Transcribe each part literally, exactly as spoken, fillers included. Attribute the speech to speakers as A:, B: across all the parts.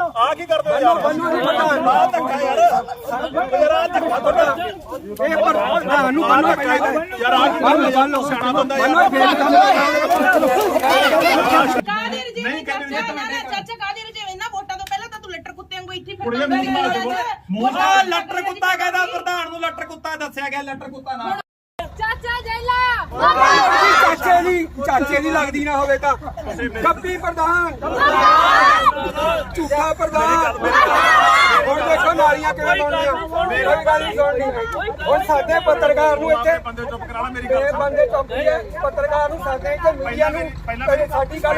A: ਆ ਕੀ ਕਰਦੇ ਹੋ ਯਾਰ? ਮੈਨੂੰ ਨਹੀਂ ਪਤਾ ਆ ਧੱਕਾ ਯਾਰ ਯਾਰ ਆ ਧੱਕਾ ਤੁਹਾਡਾ
B: ਇਹ ਪ੍ਰਧਾਨ ਨੂੰ ਬੰਨੋ
A: ਯਾਰ ਆ ਕੀ ਕਰਦੇ ਯਾਰ? ਸਿਆਣਾ ਬੰਦਾ ਯਾਰ
C: ਕਾਦੀ ਰਜੇ ਨਹੀਂ ਚਾਚਾ ਕਾਦੀ ਰਜੇ ਇਹਨਾਂ ਵੋਟਾਂ ਤੋਂ ਪਹਿਲਾਂ ਤਾਂ ਤੂੰ ਲੱਟਰ ਕੁੱਤੇ ਵਾਂਗੂ ਇੱਥੇ ਫਿਰਦਾ
A: ਮੋਹਾ ਲੱਟਰ ਕੁੱਤਾ ਕਹਿੰਦਾ ਪ੍ਰਧਾਨ ਨੂੰ ਲੱਟਰ ਕੁੱਤਾ ਦੱਸਿਆ ਗਿਆ ਲੱਟਰ ਕੁੱਤਾ ਨਾ
C: ਚਾਚਾ ਜੈਲਾ
B: ਚਾਚੇ ਦੀ ਚਾਚੇ ਦੀ ਲੱਗਦੀ ਨਾ ਹੋਵੇ ਤਾਂ ਕੱਪੀ ਪ੍ਰਧਾਨ ਝੂਠਾ ਪ੍ਰਧਾਨ ਹੁਣ ਦੇਖੋ ਨਾਲੀਆਂ ਕਿਵੇਂ ਬਣਦੀਆਂ ਮੇਰੀ ਗੱਲ ਨਹੀਂ ਸੁਣਨੀ ਹੁਣ ਸਾਡੇ ਪੱਤਰਕਾਰ ਨੂੰ ਇੱਥੇ
A: ਬੰਦੇ ਚੁੱਪ ਕਰਾ ਲੈ ਮੇਰੀ ਗੱਲ
B: ਇਹ ਬੰਦੇ ਚੌਕੀ ਹੈ ਪੱਤਰਕਾਰ ਨੂੰ ਸਾਡੇ ਇੱਥੇ ਮੀਡੀਆ ਨੂੰ ਪਹਿਲੇ ਸਾਡੀ ਗੱਲ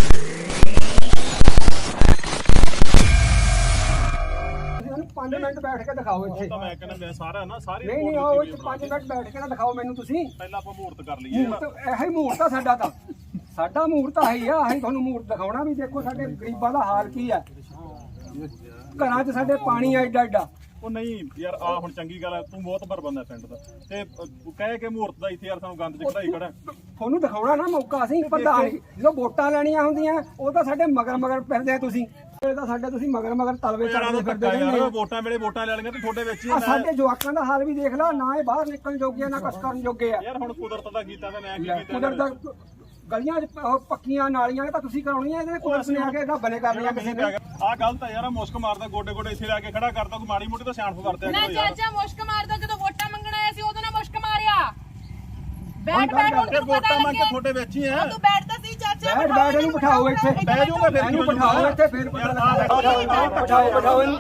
B: ਪੰਜ ਮਿੰਟ ਬੈਠ ਕੇ ਦਿਖਾਓ ਇੱਥੇ
A: ਤਾਂ ਮੈਂ ਕਹਿੰਦਾ ਮੈਂ ਸਾਰਾ ਨਾ ਸਾਰੇ
B: ਨਹੀਂ ਨਹੀਂ ਆਓ ਇੱਥੇ ਪੰਜ ਮਿੰਟ ਬੈਠ ਕੇ ਨਾ ਦਿਖਾਓ ਮੈਨੂੰ ਤੁਸੀਂ
A: ਪਹਿਲਾਂ ਆਪਾਂ ਮੂਰਤ ਕਰ ਲਈਏ
B: ਮੂਰਤ ਇਹੋ ਹੀ ਮੂਰਤ ਆ ਸਾਡਾ ਤਾਂ ਸਾਡਾ ਮੂਰਤ ਆਹੀ ਆ ਅਸੀਂ ਤੁਹਾਨੂੰ ਮੂਰਤ ਦਿਖਾਉਣਾ ਵੀ ਦੇਖੋ ਸਾਡੇ ਗਰੀਬਾਂ ਦਾ ਹਾਲ ਕੀ ਆ ਘਰਾਂ 'ਚ ਸਾਡੇ ਪਾਣੀ ਆ ਏਡਾ ਏਡਾ
A: ਉਹ ਨਹੀਂ ਯਾਰ ਆ ਹੁਣ ਚੰਗੀ ਗੱਲ ਹੈ ਤੂੰ ਬਹੁਤ ਭਰ ਬੰਦਾ ਪਿੰਡ ਦਾ ਤੇ ਕਹੇ ਕਿ ਮੂਰਤ ਦਾ ਇੱਥੇ ਯਾਰ ਸਾਨੂੰ ਗੰਦ ਚ ਕਢਾਈ ਖੜਾ
B: ਤੁਹਾਨੂੰ ਦਿਖਾਉਣਾ ਨਾ ਮੌਕਾ ਅਸੀਂ ਪ੍ਰਧਾਨ ਜਦੋਂ ਵੋਟਾਂ ਲੈਣੀਆਂ ਹੁੰਦੀਆਂ ਉਹ ਤਾਂ ਸਾਡੇ ਮਗਰ ਮਗਰ ਫਿਰਦੇ ਆ ਤੁਸੀਂ ਇਹ ਤਾਂ ਸਾਡੇ ਤੁਸੀਂ ਮਗਰ ਮਗਰ ਤਲਵੇ ਚੜਦੇ ਫਿਰਦੇ
A: ਯਾਰ ਵੋਟਾਂ ਵੇਲੇ ਵੋਟਾਂ ਲੈ ਲਈਆਂ ਤੇ ਤੁਹਾਡੇ ਵਿੱਚ ਹੀ
B: ਸਾਡੇ ਜਵਾਕਾਂ ਦਾ ਹਾਲ ਵੀ ਦੇਖ ਲਾ ਨਾ ਇਹ ਬਾਹਰ ਨਿਕਲਣ ਜੋਗੇ ਆ ਨਾ ਕੁਛ ਕਰਨ ਜੋਗੇ ਆ
A: ਯਾਰ ਹੁਣ ਕੁਦਰਤ ਦਾ ਕੀਤਾ ਤੇ ਮੈਂ ਕੀ ਕੀਤਾ
B: ਕੁਦਰਤ ਦਾ ਗਲੀਆਂ 'ਚ ਪੱਕੀਆਂ ਨਾਲੀਆਂ ਤਾਂ ਤੁਸੀਂ ਕਰਾਉਣੀਆਂ ਇਹਦੇ ਕੁਦਰਤ ਨੇ ਆ ਕੇ ਇਹਦਾ ਬਣੇ ਕਰਨੀਆਂ ਕਿਸੇ ਨੇ
A: ਆ ਗਲਤ ਆ ਯਾਰ ਮੁਸ਼ਕ ਮਾਰਦਾ ਗੋਡੇ ਗੋਡੇ ਇੱਥੇ ਲੈ ਕੇ ਖੜਾ ਕਰਦਾ ਕੋਈ ਮਾੜੀ ਮੋਟੀ ਤਾਂ ਸਿਆਣਪ ਕਰਦੇ
C: ਨਾ ਚਾਚਾ ਮੁਸ਼ਕ ਮਾਰਦਾ ਜਦੋਂ ਵੋਟਾਂ ਮੰਗਣ ਆਇਆ ਸੀ ਉਦੋਂ ਨਾ ਮੁਸ਼ਕ ਮਾਰਿਆ ਬੈਠ ਬੈਠ ਹੁਣ ਤੈਨੂੰ ਪਤਾ
A: ਵੋਟਾਂ ਮੰਗ ਕੇ
C: ਲੱਗਿਆ
A: ਤੁਹਾਡੇ ਵਿੱਚ ਹੀ ਆ
C: ਤੂੰ ਬੈਠਦਾ ਸੀ ਚਾਚਾ
B: ਬੈਠ ਬੈਠ ਇਹਨੂੰ ਬਿਠਾਓ ਇੱਥੇ
A: ਬਹਿ ਜਾਊਗਾ ਫਿਰ
B: ਇਹਨੂੰ ਬਿਠਾਓ ਇੱਥੇ ਫਿਰ ਪਤਾ ਲੱਗਦਾ ਬਿਠਾਓ ਬਿਠਾਓ ਇਹਨੂੰ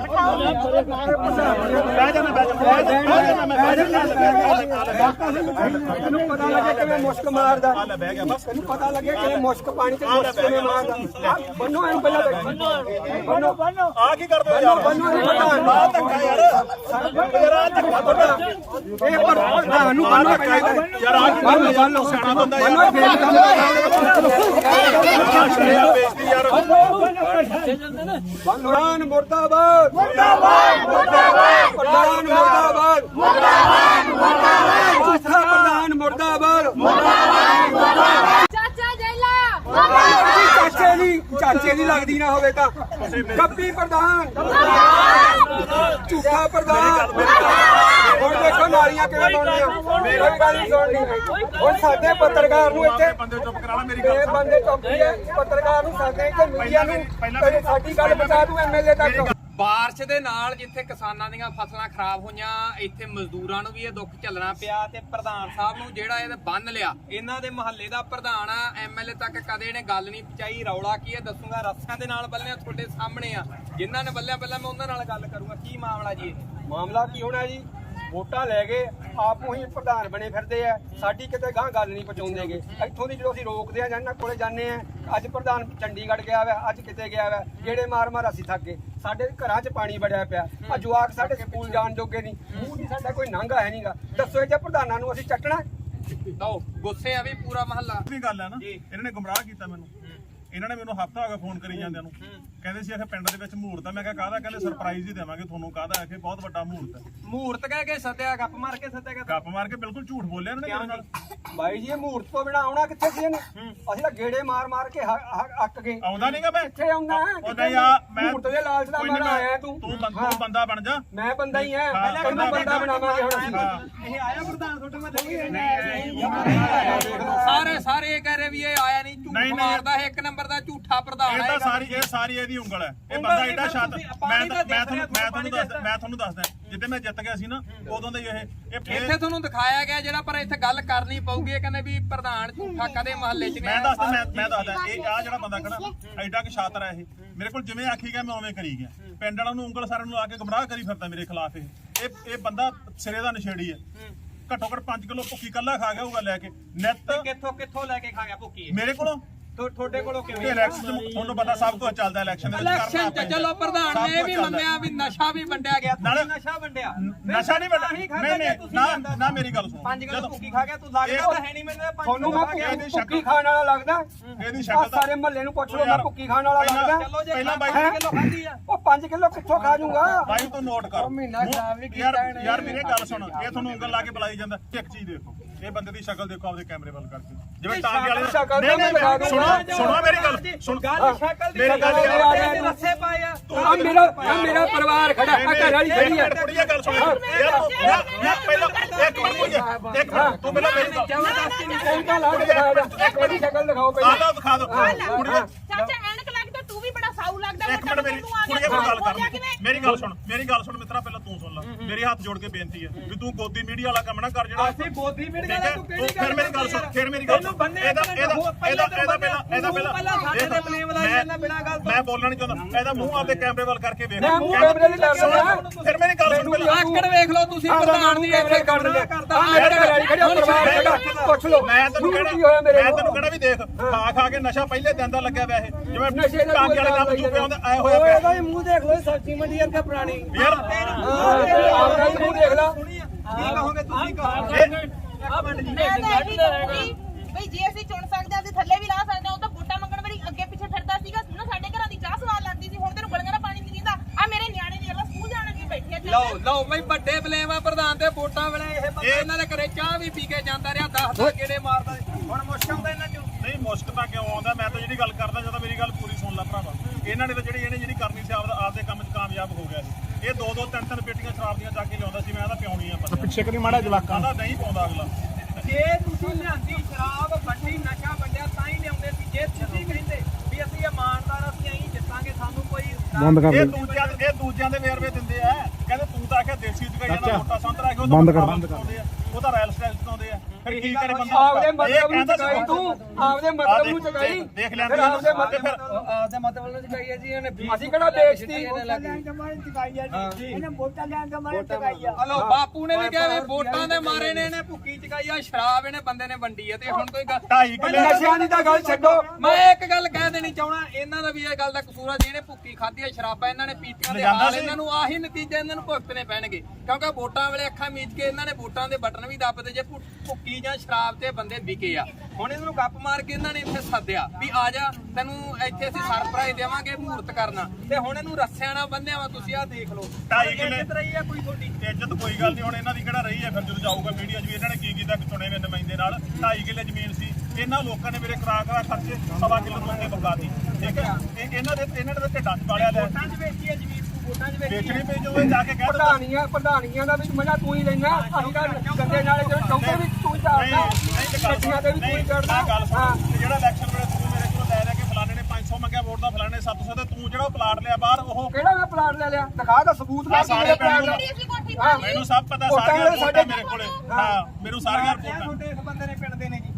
A: ਬਹਿ ਜਾਣਾ ਬਹਿ ਜਾਣਾ ਬਹਿ ਜਾਣਾ
B: ਇਹਨੂੰ ਪਤਾ ਲੱਗੇ ਕਿਵੇਂ ਮੁਸ਼ਕ ਮਾਰਦਾ
A: ਲੈ ਬਹਿ ਗਿਆ ਬਸ
B: ਇਹਨੂੰ ਪਤਾ ਲੱਗੇ ਕਿਵੇਂ ਮੁਸ਼ਕ ਪਾਣੀ ਤੇ ਮੁਸ਼ਕ ਕਿਵੇਂ ਮਾਰਦਾ ਬੰਨੋ ਇਹਨੂੰ ਪਹਿਲਾਂ ਬੰਨੋ ਬੰਨੋ
A: ਆ ਕੀ ਕਰਦੇ ਹੋ ਯਾਰ?
B: ਬੰਨੋ ਨਹੀਂ ਪਤਾ
A: ਆ ਧੱਕਾ ਯਾਰ ਯਾਰ ਆ ਧੱਕਾ ਤੁਹਾਡਾ
B: ਇਹ ਪ੍ਰਧਾਨ ਨੂੰ ਬੰਨੋ
A: ਯਾਰ ਆ ਕੀ ਕਰਦੇ ਯਾਰ? ਸਿਆਣਾ ਬੰਦਾ ਯਾਰ ਬੇਇੱਜ਼ਤੀ ਯਾਰ
B: ਪ੍ਰਧਾਨ ਮੁਰਦਾਬਾਦ ਮੁਰਦਾਬਾਦ ਮੁਰਦਾਬਾਦ ਪ੍ਰਧਾਨ ਮੁਰਦਾਬਾਦ ਮੁਰਦਾਬਾਦ ਮੁਰਦਾਬਾਦ ਪ੍ਰਧਾਨ ਮੁਰਦਾਬਾਦ ਮੁਰਦਾਬਾਦ
C: ਚਾਚਾ ਜੈਲਾ
B: ਚਾਚੇ ਦੀ ਚਾਚੇ ਦੀ ਲੱਗਦੀ ਨਾ ਹੋਵੇ ਤਾਂ ਕੱਪੀ ਪ੍ਰਧਾਨ ਝੂਠਾ ਪ੍ਰਧਾਨ ਹੁਣ ਦੇਖੋ ਨਾਲੀਆਂ ਕਿਵੇਂ ਬਣਦੀਆਂ ਮੇਰੀ ਗੱਲ ਨਹੀਂ ਸੁਣਨੀ ਹੁਣ ਸਾਡੇ ਪੱਤਰਕਾਰ ਨੂੰ ਇੱਥੇ
A: ਬੰਦੇ ਚੁੱਪ ਕਰਾ ਲੈ ਮੇਰੀ ਗੱਲ
B: ਇਹ ਬੰਦੇ ਚੌਕੀ ਹੈ ਪੱਤਰਕਾਰ ਨੂੰ ਸਾਡੇ ਇੱਥੇ ਮੀਡੀਆ ਨੂੰ ਪਹਿਲੇ ਸਾਡੀ ਗੱਲ ਪਹੁੰਚਾ ਦੂੰ ਐਮਐਲਏ ਤੱਕ
D: ਬਾਰਿਸ਼ ਦੇ ਨਾਲ ਜਿੱਥੇ ਕਿਸਾਨਾਂ ਦੀਆਂ ਫਸਲਾਂ ਖਰਾਬ ਹੋਈਆਂ ਇੱਥੇ ਮਜ਼ਦੂਰਾਂ ਨੂੰ ਵੀ ਇਹ ਦੁੱਖ ਝੱਲਣਾ ਪਿਆ ਤੇ ਪ੍ਰਧਾਨ ਸਾਹਿਬ ਨੂੰ ਜਿਹੜਾ ਇਹ ਬੰਨ ਲਿਆ ਇਹਨਾਂ ਦੇ ਮੁਹੱਲੇ ਦਾ ਪ੍ਰਧਾਨ ਆ ਐਮਐਲਏ ਤੱਕ ਕਦੇ ਇਹਨੇ ਗੱਲ ਨਹੀਂ ਪਹੁੰਚਾਈ ਰੌਲਾ ਕੀ ਹੈ ਦੱਸੂਗਾ ਰੱਸਿਆਂ ਦੇ ਨਾਲ ਬੱਲਿਆਂ ਤੁਹਾਡੇ ਸਾਹਮਣੇ ਆ ਜਿਨ੍ਹਾਂ ਨੇ ਬੱਲਿਆਂ ਪਹਿਲਾਂ ਮੈਂ ਉਹਨਾਂ ਨਾਲ ਗੱਲ ਕਰੂੰਗਾ ਕੀ ਮਾਮਲਾ ਜੀ ਇਹ
B: ਮਾਮਲਾ ਕੀ ਹੋਣਾ ਜੀ ਵੋਟਾਂ ਲੈ ਗਏ ਆਪ ਨੂੰ ਹੀ ਪ੍ਰਧਾਨ ਬਣੇ ਫਿਰਦੇ ਆ ਸਾਡੀ ਕਿਤੇ ਗਾਂ ਗੱਲ ਨਹੀਂ ਪਹੁੰਚਾਉਂਦੇਗੇ ਇੱਥੋਂ ਦੀ ਜਦੋਂ ਅਸੀਂ ਰੋਕਦੇ ਆ ਜਾਂ ਇਹਨਾਂ ਕੋਲੇ ਜਾਂਦੇ ਆ ਅੱਜ ਪ੍ਰਧਾਨ ਚੰਡੀਗੜ੍ਹ ਗਿਆ ਵਾ ਅੱਜ ਕਿਤੇ ਗਿਆ ਵਾ ਜਿਹੜੇ ਮਾਰ ਮਾਰ ਅਸੀਂ ਥੱਕ ਗਏ ਸਾਡੇ ਘਰਾਂ 'ਚ ਪਾਣੀ ਵੜਿਆ ਪਿਆ ਆ ਜਵਾਕ ਸਾਡੇ ਸਕੂਲ ਜਾਣ ਜੋਗੇ ਨਹੀਂ ਮੂੰਹ ਦੀ ਸਾਡਾ ਕੋਈ ਨੰਗਾ ਹੈ ਨਹੀਂਗਾ ਦੱਸੋ ਇਹ ਜੇ ਪ੍ਰਧਾਨਾਂ ਨੂੰ ਅਸੀਂ ਚੱਟਣਾ
D: ਲਓ ਗੁੱਸੇ ਆ ਵੀ ਪੂਰਾ ਮਹੱਲਾ
A: ਵੀ ਗੱਲ ਹੈ ਨਾ ਇਹਨਾਂ ਨੇ ਗੁੰਮਰਾਹ ਕੀਤਾ ਮੈਨੂੰ ਇਹਨਾਂ ਨੇ ਮੈਨੂੰ ਹਫਤਾ ਹੋ ਗਿਆ ਫੋਨ ਕਰੀ ਜਾਂਦਿਆਂ ਨੂੰ ਕਹਿੰਦੇ ਸੀ ਇਹ ਪਿੰਡ ਦੇ ਵਿੱਚ ਮਹੂਰਤ ਹੈ ਮੈਂ ਕਿਹਾ ਕਾਹਦਾ ਕਹਿੰਦੇ ਸਰਪ੍ਰਾਈਜ਼ ਹੀ ਦੇਵਾਂਗੇ ਤੁਹਾਨੂੰ ਕਾਹਦਾ ਇਹ ਬਹੁਤ ਵੱਡਾ ਮਹੂਰਤ ਹੈ
D: ਮਹੂਰਤ ਕਹਿ ਕੇ ਸੱਦਿਆ ਗੱਪ ਮਾਰ ਕੇ ਸੱਦਿਆ
A: ਗੱਪ ਮਾਰ ਕੇ ਬਿਲਕੁਲ ਝੂਠ ਬੋਲਿਆ ਇਹਨਾਂ ਨੇ ਮੇਰੇ ਨਾਲ
B: ਬਾਈ ਜੀ ਇਹ ਮਹੂਰਤ ਤੋਂ ਬਿਨਾ ਆਉਣਾ ਕਿੱਥੇ ਸੀ ਇਹਨੇ ਅਸੀਂ ਤਾਂ ਗੇੜੇ ਮਾਰ ਮਾਰ ਕੇ ਅੱਕ ਗਏ
A: ਆਉਂਦਾ ਨਹੀਂਗਾ ਮੈਂ
B: ਕਿੱਥੇ ਆਉਂਦਾ
A: ਉਹ ਨਹੀਂ ਆ ਮੈਂ
B: ਮਹੂਰਤ ਦੇ ਲਾਲਚ ਦਾ ਮਾਰਾ ਆਇਆ ਤੂੰ
A: ਤੂੰ ਤੂੰ ਬੰਦਾ ਬਣ ਜਾ
B: ਮੈਂ ਬੰਦਾ ਹੀ ਆ ਤੈਨੂੰ ਬੰਦਾ ਬਣਾਵਾਂਗੇ ਹੁਣ ਅਸੀਂ
D: ਇਹ ਆਇਆ ਪ੍ਰਧਾਨ ਤੁਹਾਡੇ ਮੈਂ ਸਾਰੇ ਸਾਰੇ ਇਹ ਕਹਿ ਰਹੇ ਵੀ ਇਹ ਆਇਆ ਨਹੀਂ ਝੂਠ ਮਾਰਦਾ ਇਹ ਇੱਕ ਨੰਬਰ ਦਾ ਝੂਠਾ ਪ੍ਰਧਾਨ
A: ਇਹ ਤਾਂ ਸਾਰੀ ਇਹ ਸਾਰੀ ਇਹਦੀ ਉਂਗਲ ਹੈ ਇਹ ਬੰਦਾ ਏਡਾ ਸ਼ਾਤ ਮੈਂ ਮੈਂ ਤੁਹਾਨੂੰ ਮੈਂ ਤੁਹਾਨੂੰ ਦੱਸਦਾ ਮੈਂ ਤੁਹਾਨੂੰ ਦੱਸਦਾ ਜਿੱਦੇ ਮੈਂ ਜਿੱਤ ਗਿਆ ਸੀ ਨਾ ਉਦੋਂ ਦਾ ਇਹ
D: ਇੱਥੇ ਤੁਹਾਨੂੰ ਦਿਖਾਇਆ ਗਿਆ ਜਿਹੜਾ ਪਰ ਇੱਥੇ ਗੱਲ ਕਰਨੀ ਪਊਗੀ ਇਹ ਕਹਿੰਦੇ ਵੀ ਪ੍ਰਧਾਨ ਝੂਠਾ ਕਦੇ ਮਹੱਲੇ 'ਚ ਨਹੀਂ
A: ਮੈਂ ਦੱਸਦਾ ਮੈਂ ਮੈਂ ਦੱਸਦਾ ਇਹ ਆ ਜਿਹੜਾ ਬੰਦਾ ਖੜਾ ਐਡਾ ਕਿ ਸ਼ਾਤਰ ਹੈ ਇਹ ਮੇਰੇ ਕੋਲ ਜਿਵੇਂ ਆਖੀ ਗਿਆ ਮੈਂ ਉਵੇਂ ਕਰੀ ਗਿਆ ਪਿੰਡ ਵਾਲਿਆਂ ਨੂੰ ਉਂਗਲ ਸਾਰਿਆਂ ਨੂੰ ਲਾ ਕੇ ਗੁੰਮਰਾਹ ਕਰੀ ਫਿਰਦਾ ਮੇਰੇ ਖਿਲਾਫ ਇਹ ਇਹ ਇਹ ਬੰਦਾ ਸਿਰੇ ਦਾ ਨਸ਼ੇੜੀ ਹੈ ਘੱਟੋ ਘੱਟ ਪੰਜ ਕਿਲੋ ਭੁੱਕੀ ਕੱਲਾ ਖਾ ਗਿਆ ਹੋਊਗਾ ਲੈ ਕੇ ਨਿੱਤ
D: ਕਿੱਥੋਂ ਕਿੱਥੋਂ ਲੈ ਕੇ ਖਾ ਗਿਆ ਭੁੱਕੀ
A: ਮੇਰੇ ਕੋਲੋਂ
D: ਤੁਹਾਡੇ ਕੋਲੋਂ ਕਿਵੇਂ
A: ਇਲੈਕਸ਼ਨ ਤੁਹਾਨੂੰ ਪਤਾ ਸਭ ਕੁਝ ਚੱਲਦਾ ਇਲੈਕਸ਼ਨ ਦੇ ਵਿੱਚ
D: ਇਲੈਕਸ਼ਨ ਚ ਚਲੋ ਪ੍ਰਧਾਨ ਨੇ ਵੀ ਮੰਨਿਆ ਵੀ ਨਸ਼ਾ ਵੀ ਵੰਡਿਆ ਗਿਆ
A: ਨਾਲੇ
D: ਨਸ਼ਾ ਵੰਡਿਆ
A: ਨਸ਼ਾ ਨਹੀਂ ਵੰਡਿਆ ਨਹੀਂ ਨਹੀਂ ਨਾ ਨਾ ਮੇਰੀ ਗੱਲ ਸੁਣੋ
D: ਪੰਜ ਕਿਲੋ ਭੁੱਕੀ ਖਾ ਗਿਆ ਤੂੰ ਲੱਗਦਾ ਤਾਂ ਹੈ ਨਹੀਂ ਮੈਨੂੰ
B: ਤੁਹਾਨੂੰ ਮੈਂ ਭੁੱਕੀ ਖਾਣ ਵਾਲਾ ਲੱਗਦਾ
A: ਇਹਦੀ ਸ਼ਕਲ
B: ਸਾਰੇ ਮਹੱਲੇ ਨੂੰ ਪੁੱਛ ਲਓ ਮੈਂ ਭੁੱਕੀ ਖਾਣ ਵਾਲਾ ਲੱਗਦਾ
D: ਚਲੋ ਜੇ
A: ਪਹਿਲਾਂ ਬਾਈ
D: ਪੰਜ ਕਿਲੋ ਖਾਧੀ ਆ
B: ਉਹ ਪੰਜ ਕਿਲੋ ਕਿੱਥੋਂ ਖਾ ਜੂਗਾ
A: ਬਾਈ ਤੂੰ ਨੋਟ ਕਰ
B: ਮਹੀਨਾ ਖਰਾਬ ਵੀ
A: ਯਾਰ ਯਾਰ ਮੇਰੇ ਗੱਲ ਸੁਣ ਇਹ ਤੁਹਾਨੂੰ ਉਂਗਲ ਲਾ ਕੇ ਬੁਲਾਈ ਜਾਂਦਾ ਇੱਕ ਚੀਜ਼ ਦੇਖੋ ਇਹ ਬੰਦੇ ਦੀ ਸ਼ਕਲ ਦੇਖੋ ਆਪਦੇ ਕੈਮਰੇ ਵੱਲ ਕਰਕੇ ਜਿਵੇਂ ਟਾਂਗੇ
B: ਸ਼ਕਲ
A: ਵਾਲੇ
B: ਤਾਂ
A: ਨਹੀਂ ਨਹੀਂ
B: ਲਗਾ ਕੇ
A: ਸੁਣੋ
B: ਲਗਾ
A: ਸੁਣੋ ਮੇਰੀ ਗੱਲ ਸੁਣ
D: ਗੱਲ ਸ਼ਕਲ ਦੀ
A: ਮੇਰੀ ਗੱਲ
B: ਯਾਰ
D: ਰੱਸੇ ਪਾਏ ਆ
B: ਆ ਮੇਰਾ ਆ ਮੇਰਾ ਪਰਿਵਾਰ ਖੜਾ ਆ ਘਰ ਵਾਲੀ ਖੜੀ ਆ
A: ਕੁੜੀਏ ਗੱਲ ਸੁਣ ਯਾਰ ਤੂੰ ਮੈਂ ਮੈਂ ਪਹਿਲਾਂ ਇੱਕ ਮਿੰਟ ਕੁੜੀਏ ਇੱਕ ਮਿੰਟ ਤੂੰ ਪਹਿਲਾਂ ਮੇਰੀ ਗੱਲ
B: ਐਨਕਾਂ ਲਾ ਕੇ ਦਿਖਾ ਦੇ ਇਹਦੀ ਸ਼ਕਲ ਦਿਖਾਓ
A: ਆ
B: ਪਹਿਲਾਂ
A: ਲਓ ਦਿਖਾ ਦੋ ਕੁੜੀਏ
C: ਚਾਚਾ ਐਨਕ ਲੱਗਦਾ ਤੂੰ ਵੀ ਬੜਾ ਸਾਊ ਲੱਗਦਾ
A: ਇੱਕ ਮਿੰਟ ਮੇਰੀ ਕੁੜੀਏ ਕੋਲ ਗੱਲ ਕਰ ਮੇਰੀ ਗੱਲ ਸੁਣ ਮੇਰੀ ਗੱਲ ਸੁਣ ਮਿੱਤਰਾ ਪਹਿਲਾਂ ਤੂੰ ਸੁਣ ਲੈ ਮੇਰੇ ਹੱਥ ਜੋੜ ਕੇ ਬੇਨਤੀ ਹੈ ਵੀ ਤੂੰ ਗੋਦੀ ਮੀਡੀਆ ਵਾਲਾ ਕੰਮ ਨਾ ਕਰ ਜਿਹੜਾ
D: ਅਸੀਂ ਗੋਦੀ ਮਿੰਟ
A: ਠੀਕ
D: ਗੱਲ
A: ਹੈ
D: ਤੂੰ
A: ਤੂੰ
D: ਕਿਹੜੀ
A: ਫਿਰ ਮੇਰੀ ਗੱਲ ਸੁਣ ਫਿਰ ਮੇਰੀ ਗੱਲ ਸੁਣ ਇਹਦਾ ਇਹਦਾ ਇਹਦਾ ਇਹਦਾ ਪਹਿਲਾਂ ਇਹਦਾ ਪਹਿਲਾਂ
D: ਪਹਿਲਾਂ ਸਾਡੇ ਤੇ ਬਲੇਮ ਲਾਈ ਜਾਂਦਾ ਬਿਨਾਂ ਗੱਲ ਤੋਂ
A: ਮੈਂ ਬੋਲਣਾ ਨਹੀਂ ਚਾਹੁੰਦਾ ਇਹਦਾ ਮੂੰਹ ਆਪਦੇ ਕੈਮਰੇ ਵੱਲ ਕਰਕੇ ਵੇਖ
B: ਮੈਂ ਮੂੰਹ ਕੈਮਰੇ ਲਈ ਕਰ ਰਿਹਾ
A: ਫਿਰ ਮੇਰੀ ਗੱਲ ਸੁਣ ਪਹਿਲਾਂ
D: ਆਕੜ ਵੇਖ ਲਓ ਤੁਸੀਂ ਪ੍ਰਧਾਨ ਦੀ ਇੱਥੇ
B: ਕਰ
D: ਕਰਨਾ
B: ਲਿਆ
D: ਕਰਦਾ
B: ਆ ਮੇਰਾ ਘਰ ਵਾਲੀ ਖੜੀ ਆ ਪਰਿਵਾਰ ਖੜਾ ਪੁੱਛ ਲਓ
A: ਮੈਂ ਤੈਨੂੰ
B: ਕੀ
A: ਕਹਿਣਾ
B: ਹੋਇਆ ਮੇਰੇ
A: ਮੈਂ ਤੈਨੂੰ ਕਹਿਣਾ ਵੀ ਦੇਖ ਖਾ ਖਾ ਕੇ ਨਸ਼ਾ ਪਹਿਲੇ ਦਿਨ ਦਾ ਲੱਗਿਆ ਪਿਆ ਇਹ ਜਿਵੇਂ
B: ਨਸ਼ੇ ਦਾ
A: ਟਾਂਗੇ ਵਾਲੇ ਕੰਮ ਚੁੱਪੇ ਹੁੰਦੇ ਆਏ ਹੋਇਆ ਪਿਆ
B: ਇਹਦਾ ਮੂੰਹ ਦੇਖ ਲਓ ਸਬਜ਼ੀ ਮੰਡੀ ਵਰਗਾ ਪੁਰਾਣੀ
A: ਯਾਰ
B: ਆਪਣਾ ਮੂੰਹ ਦੇਖ ਲਾ
D: ਕੀ ਕਹੋਗੇ ਤੁਸੀਂ ਕਹੋ
C: ਮੈਂ ਤਾਂ ਇਹੀ ਕਹੂੰਗੀ ਬਈ ਜੇ ਅਸੀਂ ਚੁਣ ਸਕਦੇ ਹਾਂ ਅਸੀਂ ਥੱਲੇ ਵੀ ਲਾ ਸਕਦੇ ਹਾਂ ਉਹ ਤਾਂ ਵੋਟਾਂ ਮੰਗਣ ਵਾਲੀ ਅੱਗੇ ਪਿੱਛੇ ਫਿਰਦਾ ਸੀਗਾ ਨਾ ਸਾਡੇ ਘਰਾਂ ਦੀ ਚਾਹ ਸਵਾਦ ਲੱਗਦੀ ਸੀ ਹੁਣ ਤੈਨੂੰ ਗਲੀਆਂ ਦਾ ਪਾਣੀ ਨਹੀਂ ਦਿੰਦਾ ਆ ਮੇਰੇ ਨਿਆਣੇ ਨੇ ਸਕੂਲ ਜਾਣ ਲੱਗੇ ਬੈਠੇ ਆ
D: ਲਓ ਲਓ ਬਈ ਵੱਡੇ ਬਲੇਮ ਆ ਪ੍ਰਧਾਨ ਤੇ ਵੋਟਾਂ ਵੇਲੇ ਇਹ ਬੰਦਾ ਇਹਨਾਂ ਦੇ ਘਰੇ ਚਾਹ ਵੀ ਪੀ ਕੇ ਜਾਂਦਾ ਰਿਹਾ ਦਸ ਦਸ ਗੇੜੇ ਮਾਰਦਾ ਸੀ। ਹੁਣ ਮੁਸ਼ਕਲ ਤਾਂ ਇਹਨਾਂ ਚੋਂ
A: ਨਹੀਂ ਮੁਸ਼ਕ ਤਾਂ ਕਿਉਂ ਆਉਂਦਾ ਮੈਂ ਤਾਂ ਜਿਹੜੀ ਗੱਲ ਕਰਦਾ ਜਦੋਂ ਮੇਰੀ ਗੱਲ ਪੂਰੀ ਸੁਣ ਲੈ ਭਰਾਵਾ ਇਹਨਾਂ ਨੇ ਤਾਂ ਜਿਹੜੀ ਇਹਨੇ ਜਿਹੜੀ ਕਰਨੀ ਸੀ ਆਪਦਾ ਆਪਦੇ ਕੰਮ 'ਚ ਕਾਮਯਾਬ ਹੋ ਗਿਆ ਸੀ ਇਹ ਦੋ ਦੋ ਤਿੰਨ ਤਿੰਨ ਪੇਟੀਆਂ ਸ਼ਰਾਬ ਦੀਆਂ ਚੱਕ ਕੇ ਲਿਆਉਂਦਾ ਸੀ ਮੈਂ ਇਹਦਾ ਪਿਆਉਣੀ ਆ ਪਤਾ ਪਿੱਛੇ ਕਰੀ ਮਾੜਾ ਜਵਾਕਾਂ ਦਾ ਨਹੀਂ ਪਾਉਂਦਾ ਅਗਲਾ
D: ਜੇ ਤੁਸੀਂ ਲਿਆਂਦੀ ਸ਼ਰਾਬ ਵੱਡੀ ਨਸ਼ਾ ਵੰਡਿਆ ਤਾਂ ਹੀ ਲਿਆਉਂਦੇ ਸੀ ਜੇ ਤੁਸੀਂ ਕਹਿੰਦੇ ਵੀ ਅਸੀਂ ਇਮਾਨਦਾਰ ਅਸੀਂ ਐਂ ਜਿੱਤਾਂਗੇ ਸਾਨੂੰ ਕੋਈ
A: ਇਹ ਦੂਜਿਆਂ ਦੇ ਇਹ ਦੂਜਿਆਂ ਦੇ ਵੇਰਵੇ ਦਿੰਦੇ ਆ ਕਹਿੰਦੇ ਤੂੰ ਤਾਂ ਆਖਿਆ ਦੇਸੀ ਚਕਾਈ ਜਾਂਦਾ ਮੋਟਾ ਸੰਤਰਾ ਕਿ ਉਹ ਬੰਦ ਕਰ ਬੰਦ ਕਰਦੇ ਆ ਉਹ ਤਾਂ ਰਾਇਲ ਸਟਾਈਲ ਚਲਾਉਂਦੇ ਆ ਫਿਰ ਕੀ ਕਰੇ ਬੰਦਾ
B: ਆਪਦੇ ਮਤਲਬ ਨੂੰ ਚਕਾਈ ਤੂੰ ਆਪਦੇ ਮਤਲਬ ਨੂੰ ਚਕਾਈ
A: ਦੇਖ ਲੈਂਦੇ
B: ਫਿਰ ਆਪਦੇ ਮਤਲਬ
A: ਫਿਰ
B: ਆਪਦੇ ਮਤਲਬ ਨੂੰ ਚਕਾਈ ਹੈ ਜੀ ਇਹਨੇ ਅਸੀਂ ਕਿਹੜਾ ਵੇਚਤੀ
D: ਹਲੋ ਬਾਪੂ ਨੇ ਵੀ ਕਿਹਾ ਵੀ ਵੋਟਾਂ ਦੇ ਮਾਰੇ ਨੇ ਇਹਨੇ ਭੁੱਕੀ ਚਕਾਈ ਆ ਸ਼ਰਾਬ ਇਹਨੇ ਬੰਦੇ ਨੇ ਵੰਡੀ ਆ ਤੇ ਹੁਣ ਕੋਈ ਗੱਲ
A: ਢਾਈ ਕਿੱਲੇ
B: ਨਸ਼ਿਆਂ ਦੀ ਤਾਂ ਗੱਲ ਛੱਡੋ
D: ਮੈਂ ਇੱਕ ਗੱਲ ਕਹਿ ਦੇਣੀ ਚਾਹਣਾ ਇਹਨਾਂ ਦਾ ਵੀ ਇਹ ਗੱਲ ਦਾ ਕਸੂਰ ਆ ਜਿਹਨੇ ਭੁੱਕੀ ਖਾਧੀ ਆ ਸ਼ਰਾਬਾਂ ਇਹਨਾਂ ਨੇ ਪੀਤੀਆਂ ਦੇ ਹਾਲ ਇਹਨਾਂ ਨੂੰ ਆਹੀ ਨਤੀਜਾ ਇਹਨਾਂ ਨੂੰ ਭੁਗਤਣੇ ਪੈਣਗੇ ਕਿਉਂਕਿ ਵੋਟਾਂ ਵੇਲੇ ਅੱਖਾਂ ਮੀਚ ਕੇ ਇਹਨਾਂ ਨੇ ਵੋਟਾਂ ਦੇ ਬਟਨ ਵੀ ਦੱਬਦੇ ਜੇ ਭੁੱਕੀ ਜਾਂ ਸ਼ਰਾਬ ਤੇ ਬੰਦੇ ਵਿਕੇ ਆ ਹੁਣ ਇਹਨਾਂ ਨੂੰ ਗੱਪ ਮਾਰ ਕੇ ਇਹਨਾਂ ਨੇ ਇੱਥੇ ਸੱਦਿਆ ਵੀ ਆ ਜਾ ਤੈਨੂੰ ਇੱਥੇ ਅਸੀਂ ਸਰਪ੍ਰਾਈਜ਼ ਦੇਵਾਂਗੇ ਮਹੂਰਤ ਕਰਨਾ ਤੇ ਹੁਣ ਇਹਨੂੰ ਰੱਸਿਆਂ ਨਾਲ ਬੰਨਿਆ ਵਾ ਤੁਸੀਂ ਆਹ ਦੇਖ ਲਓ
A: ਢਾਈ ਕਿੱਲੇ
D: ਇੱਜ਼ਤ ਰਹੀ ਆ ਕੋਈ ਤੁਹਾਡੀ
A: ਇੱਜ਼ਤ ਕੋਈ ਗੱਲ ਨਹੀਂ ਹੁਣ ਇਹਨਾਂ ਦੀ ਕਿਹੜਾ ਰਹੀ ਹੈ ਫਿਰ ਜਦੋਂ ਜਾਊਗਾ ਮੀਡੀਆ 'ਚ ਵੀ ਇਹਨਾਂ ਨੇ ਕੀ ਕੀਤਾ ਕਿ ਚੁਣੇ ਹੋਏ ਨੁਮਾਇੰਦੇ ਨਾਲ ਢਾਈ ਕਿੱਲੇ ਜ਼ਮੀਨ ਸੀ ਇਹਨਾਂ ਲੋਕਾਂ ਨੇ ਮੇਰੇ ਕਰਾ ਕਰਾ ਖਰਚੇ ਸਵਾ ਕਿਲੋ ਤੋਂ ਅੱਗੇ ਬਕਾਤੀ ਠੀਕ ਹੈ ਇਹ ਇਹਨਾਂ ਦੇ ਇਹਨਾਂ ਦੇ ਢਿੱਡਾਂ 'ਚ ਪਾਲਿਆ ਲੈ
D: ਵੋਟਾਂ 'ਚ ਵੇਚੀ ਆ ਜ਼ਮੀਨ ਤੂੰ ਵੋਟਾਂ 'ਚ ਵੇਚੀ
A: ਵੇਚਣੀ ਪਈ ਜਦੋਂ ਇਹ ਜਾ ਕੇ ਕਹਿ ਦਿੰਦਾ
B: ਪ੍ਰਧਾਨੀਆਂ ਪ੍ਰਧਾਨੀਆਂ ਦਾ ਵੀ ਮਜ਼ਾ ਤੂੰ ਹੀ ਲੈਣਾ ਅਸੀਂ ਤਾਂ ਗੰਦੇ ਨਾਲੇ ਜਿਹੜੇ ਚੌਂਕੇ ਵੀ ਤੂੰ ਹੀ
A: ਨਹੀਂ
B: ਚਾੜਦਾ
A: ਨਹੀਂ ਤੇ ਗੱਲ
B: ਗੱਡੀਆਂ ਤੇ ਵੀ ਤੂੰ ਹੀ ਚੜਦਾ
A: ਆਹ ਗੱਲ ਸੁਣ ਤੇ ਜਿਹੜਾ ਇਲੈਕਸ਼ਨ ਵੇਲੇ ਤੂੰ ਮੇਰੇ ਕੋਲ ਲੈ ਲੈ ਕੇ ਫਲਾਣੇ ਨੇ ਪੰਜ ਸੌ ਮੰਗਿਆ ਵੋਟ ਦਾ ਫਲਾਣੇ ਸੱਤ ਸੌ ਤੇ ਤੂੰ ਜਿਹੜਾ ਪਲਾਟ ਲਿਆ ਬਾਹਰ ਉਹ
B: ਕਿਹੜਾ ਮੈਂ ਪਲਾਟ ਲੈ ਲਿਆ ਦਿਖਾ ਦਾ ਸਬੂਤ ਦਾ
A: ਸਾਰੇ ਪਿੰਡ ਨੂੰ
C: ਜਿਹੜੀ ਅਸੀਂ ਕੋਠੀ
B: ਹਾਂ,
A: ਮੈਨੂੰ ਸਭ ਪਤਾ
B: ਵੋਟਾਂ
A: ਸਾਰੀਆਂ
B: ਵਾਲੇ
A: ਰਿਪੋਰਟਾਂ
B: ਸਾਡੇ-
A: ਮੇਰੇ ਕੋਲੇ ਹਾਂ ਮੈਨੂੰ ਸਾਰੀਆਂ ਰਿਪੋਰਟਾਂ
D: ਇਸ ਬੰਦੇ ਨੇ ਪਿੰਡ ਦੇ ਨੇ ਜੀ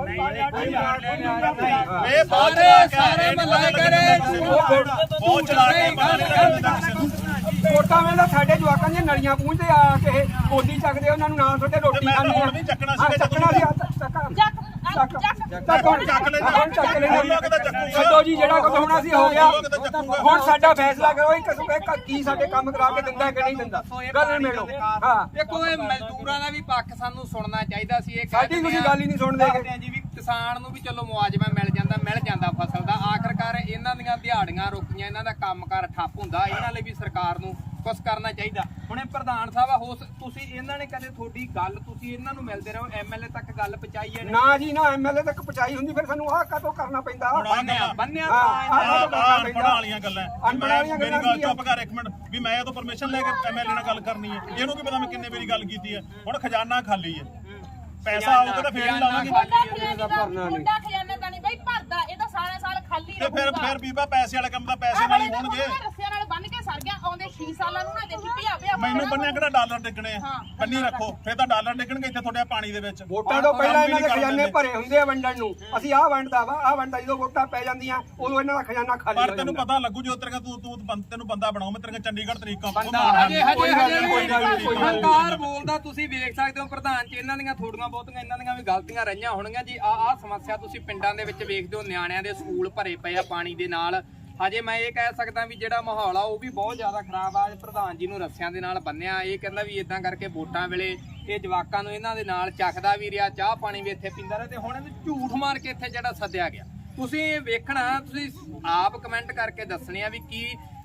A: ਇਹ ਬਹੁਤ
D: ਸਾਰੇ ਸਾਰੇ ਮੱਲਾ ਕਰੇ
A: ਬਹੁਤ ਚਲਾ ਕੇ ਬੰਦਾ ਨਹੀਂ ਲੱਗਦਾ ਕਿਸੇ ਨੂੰ
B: ਵੋਟਾਂ ਵੇਲੇ ਸਾਡੇ ਜਵਾਕਾਂ ਦੀਆਂ ਨਲੀਆਂ ਪੂੰਝਦੇ ਆ ਕੇ ਗੋਦੀ ਚੱਕਦੇ ਉਹਨਾਂ ਨੂੰ ਨਾ ਤੁਹਾਡੇ ਰੋਟੀ
A: ਮੈਂ ਤਾਂ
B: ਖਾਣੀ
A: ਹੁਣ ਵੀ ਚੱਕਣਾ
B: ਹਾਂ,
A: ਸੀਗਾ
B: ਚੱਕਣਾ ਸੀ ਹੱਥ ਚੱਕ
C: ਚੱਕ
B: ਚੱਕ
C: ਚੱਕ
B: ਚੱਕ ਹੁਣ
A: ਚੱਕ ਲੈਂਦੇ
B: ਹੁਣ ਚੱਕ ਲੈਂਦੇ
A: ਲੋਕ ਤਾਂ ਚੱਕੂਗਾ
B: ਛੱਡੋ ਜੀ ਜਿਹੜਾ ਕੁਝ ਹੋਣਾ ਸੀ ਹੋ ਗਿਆ
A: ਲੋਕ ਤਾਂ ਚੱਕੂਗਾ
B: ਹੁਣ ਸਾਡਾ ਫੈਸਲਾ ਕਰੋ ਇੱਕ ਇੱਕ ਕੀ ਸਾਡੇ ਕੰਮ ਕਰਾ ਕੇ ਦਿੰਦਾ ਕਿ ਨਹੀਂ ਦਿੰਦਾ ਗੱਲ ਮੇੜੋ ਹਾਂ
D: ਦੇਖੋ ਇਹ ਮਜ਼ਦੂਰਾਂ ਦਾ ਵੀ ਪੱਖ ਸਾਨੂੰ ਸੁਣਨਾ ਚਾਹੀਦਾ ਸੀ ਇਹ
B: ਸਾਡੀ ਤੁਸੀਂ ਗੱਲ ਹੀ ਨਹੀਂ ਸੁਣਦੇ
D: ਦੱਸਦੇ ਆ ਜੀ ਵੀ ਕਿਸਾਨ ਨੂੰ ਵੀ ਚਲੋ ਮੁਆਵਜ਼ਾ ਮਿਲ ਜਾਂਦਾ ਮਿਲ ਜਾਂਦਾ ਫਸਲ ਦਾ ਆਖਰਕਾਰ ਇਹਨਾਂ ਦੀਆਂ ਦਿਹਾੜੀਆਂ ਰੁਕੀਆਂ ਇਹਨਾਂ ਦਾ ਕੰਮਕਾਰ ਠੱਪ ਹੁੰਦਾ ਇਹਨਾਂ ਲਈ ਵੀ ਸਰਕਾਰ ਨੂੰ ਕੁਝ ਕਰਨਾ ਚਾਹੀਦਾ ਹੁਣ ਇਹ ਪ੍ਰਧਾਨ ਸਾਹਿਬ ਆ ਹੋ ਤੁਸੀਂ ਇਹਨਾਂ ਨੇ ਕਦੇ ਤੁਹਾਡੀ ਗੱਲ ਤੁਸੀਂ ਇਹਨਾਂ ਨੂੰ ਮਿਲਦੇ ਰਹੋ ਐਮਐਲਏ ਤੱਕ ਗੱਲ ਪਹੁੰਚਾਈ ਹੈ
B: ਨਾ ਜੀ ਨਾ ਐਮਐਲਏ ਤੱਕ ਪਹੁੰਚਾਈ ਹੁੰਦੀ ਫਿਰ ਸਾਨੂੰ ਆਹ ਕਾਤੋਂ ਕਰਨਾ ਪੈਂਦਾ
D: ਬੰਨਿਆ ਬੰਨਿਆ
B: ਹਾਂ,
D: ਤਾਂ
B: ਹਾਂ।
A: ਆਹ ਅਨਪੜ੍ਹਾਂ ਵਾਲੀਆਂ ਗੱਲਾਂ
B: ਅਨਪੜ੍ਹਾਂ ਵਾਲੀਆਂ
A: ਮੇਰੀ
B: ਗੱਲਾਂ
A: ਗੱਲ
B: ਕੀ ਆ?
A: ਚੁੱਪ ਕਰ ਇੱਕ ਮਿੰਟ ਵੀ ਮੈਂ ਇਹ ਤੋਂ ਪਰਮਿਸ਼ਨ ਲੈ ਕੇ ਐਮਐਲਏ ਨਾਲ ਗੱਲ ਕਰਨੀ ਹੈ ਇਹਨੂੰ ਕੀ ਪਤਾ ਮੈਂ ਕਿੰਨੇ ਵਾਰੀ ਗੱਲ ਕੀਤੀ ਹੈ ਹੁਣ ਖਜ਼ਾਨਾ ਖਾਲੀ ਹੈ ਪੈਸਾ ਆਊਗਾ ਤਾਂ ਫੇਰ ਹੀ ਲਾਵਾਂਗੇ
C: ਮੁੰਡਾ ਖਜ਼ਾਨੇ ਦਾ ਮੁੰਡਾ ਖਜ਼ਾਨੇ ਦਾ ਨਹੀਂ ਬਈ ਭਰਦਾ ਇਹ ਤਾਂ ਸਾਰਾ ਸਾਲ ਖਾਲੀ
A: ਤੇ ਫਿਰ ਫਿਰ ਬੀਬਾ ਪੈਸੇ ਵਾਲੇ ਕੰਮ ਦਾ ਪੈਸੇ ਨਾਲ ਹੀ ਹੋਣਗੇ
C: ਰੱਸਿਆਂ ਨਾਲ ਬੰਨ ਕੇ ਸਰ ਗਿਆ ਆਉਂਦੇ ਛੇ ਸਾਲਾਂ ਨੂੰ ਨਾ ਦੇਖੀ ਭਿਆ ਭਿਆ
A: ਮੈਨੂੰ ਬੰਨਿਆ ਕਿਹੜਾ ਡਾਲਰ ਡਿੱਗਣੇ ਆ ਬੰਨੀ ਰੱਖੋ ਫਿਰ ਤਾਂ ਡਾਲਰ ਡਿੱਗਣਗੇ ਇੱਥੇ ਤੁਹਾਡੇ ਪਾਣੀ ਦੇ ਵਿੱਚ
B: ਵੋਟਾਂ ਤੋਂ ਪਹਿਲਾਂ ਇਹਨਾਂ ਦੇ ਖਜ਼ਾਨੇ ਭਰੇ ਹੁੰਦੇ ਆ ਵੰਡਣ ਨੂੰ ਅਸੀਂ ਆਹ ਵੰਡਦਾ ਵਾ ਆਹ ਵੰਡਦਾ ਜਦੋਂ ਵੋਟਾਂ ਪੈ ਜਾਂਦੀਆਂ ਉਦੋਂ ਇਹਨਾਂ ਦਾ ਖਜ਼ਾਨਾ ਖਾਲੀ
A: ਪਰ
B: ਹੋ
A: ਤੈਨੂੰ
B: ਜਾਂਦਾ
A: ਪਤਾ ਲੱਗੂ ਜੋ ਤੇਰੇ ਤੂੰ ਤੂੰ ਬੰਦ- ਤੈਨੂੰ ਬੰਦਾ ਬਣਾਉ ਮੈਂ ਤੇਰੇ ਚੰਡੀਗੜ੍ਹ ਤਰੀਕਾ
D: ਬੰਦਾ ਹਜੇ ਹਜੇ ਹਜੇ ਹੰਕਾਰ ਬੋਲਦਾ ਤੁਸੀਂ ਵੇਖ ਸਕਦੇ ਹੋ ਪ੍ਰਧਾਨ ਜੀ ਇਹਨਾਂ ਦੀਆਂ ਥੋੜੀਆਂ ਬਹੁਤੀਆਂ ਇਹਨਾਂ ਦੀਆਂ ਵੀ ਗਲਤੀਆਂ ਰਹੀਆਂ ਹੋਣਗੀਆਂ ਜੀ ਆ ਆ ਸਮੱਸਿਆ ਤੁਸੀਂ ਪਿੰਡਾਂ ਦੇ ਵਿੱਚ ਵੇਖਦੇ ਹੋ ਨਿਆਣਿਆਂ ਦੇ ਸਕੂਲ ਭਰੇ ਪਏ ਆ ਪਾਣੀ ਦੇ ਨਾਲ ਹਜੇ ਮੈਂ ਇਹ ਕਹਿ ਸਕਦਾ ਵੀ ਜਿਹੜਾ ਮਾਹੌਲ ਆ ਉਹ ਵੀ ਬਹੁਤ ਜ਼ਿਆਦਾ ਖਰਾਬ ਆ ਪ੍ਰਧਾਨ ਜੀ ਨੂੰ ਰੱਸਿਆਂ ਦੇ ਨਾਲ ਬੰਨਿਆ ਇਹ ਕਹਿੰਦਾ ਵੀ ਇਦਾਂ ਕਰਕੇ ਵੋਟਾਂ ਵੇਲੇ ਇਹ ਜਵਾਕਾਂ ਨੂੰ ਇਹਨਾਂ ਦੇ ਨਾਲ ਚੱਕਦਾ ਵੀ ਰਿਹਾ ਚਾਹ ਪਾਣੀ ਵੀ ਇੱਥੇ ਪੀਂਦਾ ਰਿਹਾ ਤੇ ਹੁਣ ਇਹਨੂੰ ਝੂਠ ਮਾਰ ਕੇ ਇੱਥੇ ਜਿਹੜਾ ਸੱਦਿਆ ਗਿਆ ਤੁਸੀਂ ਵੇਖਣਾ ਤੁਸੀਂ ਆਪ ਕਮੈਂਟ ਕਰਕੇ ਦੱਸਣੇ ਆ ਵੀ ਕੀ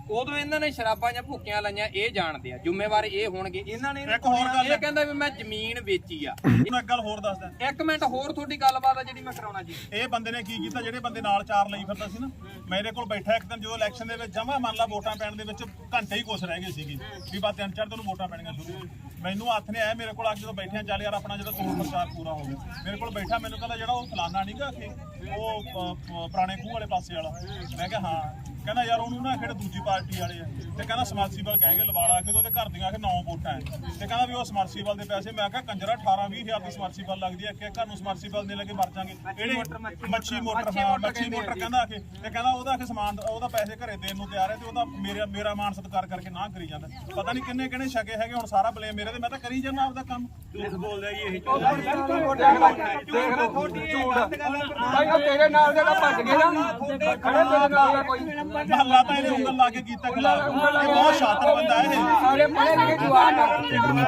D: ਉਦੋਂ ਇਹਨਾਂ ਨੇ ਸ਼ਰਾਬਾਂ ਜਾਂ ਭੁੱਕੀਆਂ ਲਾਈਆਂ, ਇਹ ਜਾਣਦੇ ਆ, ਜ਼ਿੰਮੇਵਾਰ ਇਹ ਹੋਣਗੇ। ਇਹਨਾਂ ਨੇ
A: ਇੱਕ ਹੋਰ ਗੱਲ
D: ਇਹ ਕਹਿੰਦਾ ਵੀ ਮੈਂ ਜ਼ਮੀਨ ਵੇਚੀ ਆ।
A: ਤੁਹਾਨੂੰ ਇੱਕ ਗੱਲ ਹੋਰ ਦੱਸਦਾ,
D: ਇੱਕ ਮਿੰਟ ਹੋਰ ਤੁਹਾਡੀ ਗੱਲਬਾਤ ਆ ਜਿਹੜੀ ਮੈਂ ਕਰਾਉਣਾ ਜੀ।
A: ਇਹ ਬੰਦੇ ਨੇ ਕੀ ਕੀਤਾ, ਜਿਹੜੇ ਬੰਦੇ ਨਾਲ ਚਾਰ ਲਈ ਫਿਰਦਾ ਸੀ ਨਾ, ਮੇਰੇ ਕੋਲ ਬੈਠਾ ਇੱਕ ਦਿਨ ਜਦੋਂ ਇਲੈਕਸ਼ਨ ਦੇ ਵਿੱਚ ਜਮਾ ਮੰਨ ਲਾ ਵੋਟਾਂ ਪੈਣ ਦੇ ਵਿੱਚ ਘੰਟੇ ਹੀ ਕੁਛ ਰਹਿ ਗਏ ਸੀਗੇ ਵੀ ਬਸ ਤਿੰਨ ਚਾਰ ਦਿਨ ਵੋਟਾਂ ਪੈਣੀਆਂ ਸ਼ੁਰੂ। ਮੈਨੂੰ ਹੱਥ ਨੇ ਆਇਆ ਮੇਰੇ ਕੋਲ, ਅੱਜ ਜਦੋਂ ਬੈਠਿਆ ਚੱਲ ਯਾਰ ਆਪਣਾ ਜਦੋਂ ਚੋਣ ਪ੍ਰਚਾਰ ਪੂਰਾ ਹੋ ਗਿਆ, ਮੇਰੇ ਕੋਲ ਬੈਠਾ ਮੈਨੂੰ ਕਹਿੰਦਾ ਜਿਹੜਾ ਉਹ ਫਲਾਨਾ ਨਹੀਂਗਾ ਕਿ ਉਹ ਪ- ਪ- ਪੁਰਾਣੇ ਖੂਹ ਵਾਲੇ ਪਾਸੇ ਵਾਲਾ। ਮੈਂ ਕਿਹਾ ਹਾਂ। ਕਹਿੰਦਾ ਯਾਰ ਉਹਨੂੰ ਨਾ ਕਿਹੜੇ ਦੂਜੀ ਪਾਰਟੀ ਵਾਲੇ ਆ ਤੇ ਕਹਿੰਦਾ ਸਮਰਸੀਬਲ ਕਹਿ ਕੇ ਲਵਾਲਾ ਕਿ ਉਹਦੇ ਘਰ ਦੀਆਂ ਕਿ ਨੌ ਵੋਟਾਂ ਹੈ ਤੇ ਕਹਿੰਦਾ ਵੀ ਉਹ ਸਮਰਸੀਬਲ ਦੇ ਪੈਸੇ। ਮੈਂ ਕਿਹਾ ਕੰਜਰਾ ਅਠਾਰਾਂ ਵੀਹ ਹਜ਼ਾਰ ਦੀ ਸਮਰਸੀਬਲ ਲੱਗਦੀ ਹੈ, ਕਿ ਘਰ ਨੂੰ ਸਮਰਸੀਬਲ ਦੇ ਲੱਗੇ ਮਰ ਜਾਾਂਗੇ। ਇਹੜੇ ਮੱਛੀ ਮੋਟਰ, ਹਾਂ ਮੱਛੀ ਮੋਟਰ ਕਹਿੰਦਾ ਆ ਕੇ ਤੇ ਕਹਿੰਦਾ ਉਹਦਾ ਕਿ ਸਮਾਨ ਉਹਦਾ ਪੈਸੇ ਘਰੇ ਦੇਣ ਨੂੰ ਤਿਆਰ ਹੈ ਤੇ ਉਹਦਾ ਮੇਰਾ ਮੇਰਾ ਮਾਨ ਸਤਿਕਾਰ ਕਰਕੇ ਨਾ ਕਰੀ ਜਾਂਦਾ। ਪਤਾ ਨਹੀਂ ਕਿੰਨੇ ਕਿੰਨੇ ਛਕੇ ਹੈਗੇ, ਹੁਣ ਸਾਰਾ ਬਲੇਮ ਮੇਰੇ ਤੇ, ਮੈਂ ਤਾਂ ਕਰੀ ਜਾਂਦਾ ਆਪਦਾ ਕੰਮ। ਝੂਠ ਬੋਲਦਾ ਜੀ ਇਹ।
B: ਤੇਰੇ ਨਾਲ ਦੇ ਤਾਂ ਭੱਜ ਗਏ ਨਾ, ਖੜੇ ਤੇਰੇ ਨਾਲ ਕੋਈ
A: ਮਹੱਲਾ ਤਾਂ ਇਹਨੇ ਉਂਗਲ ਲਾ ਕੇ ਕੀਤਾ ਖਿਲਾਫ। ਇਹ ਬਹੁਤ ਸ਼ਾਤਰ ਬੰਦਾ ਇਹ।
B: ਸਾਰੇ ਪੜੇ ਲਿਖੇ ਜਵਾਨ ਆ।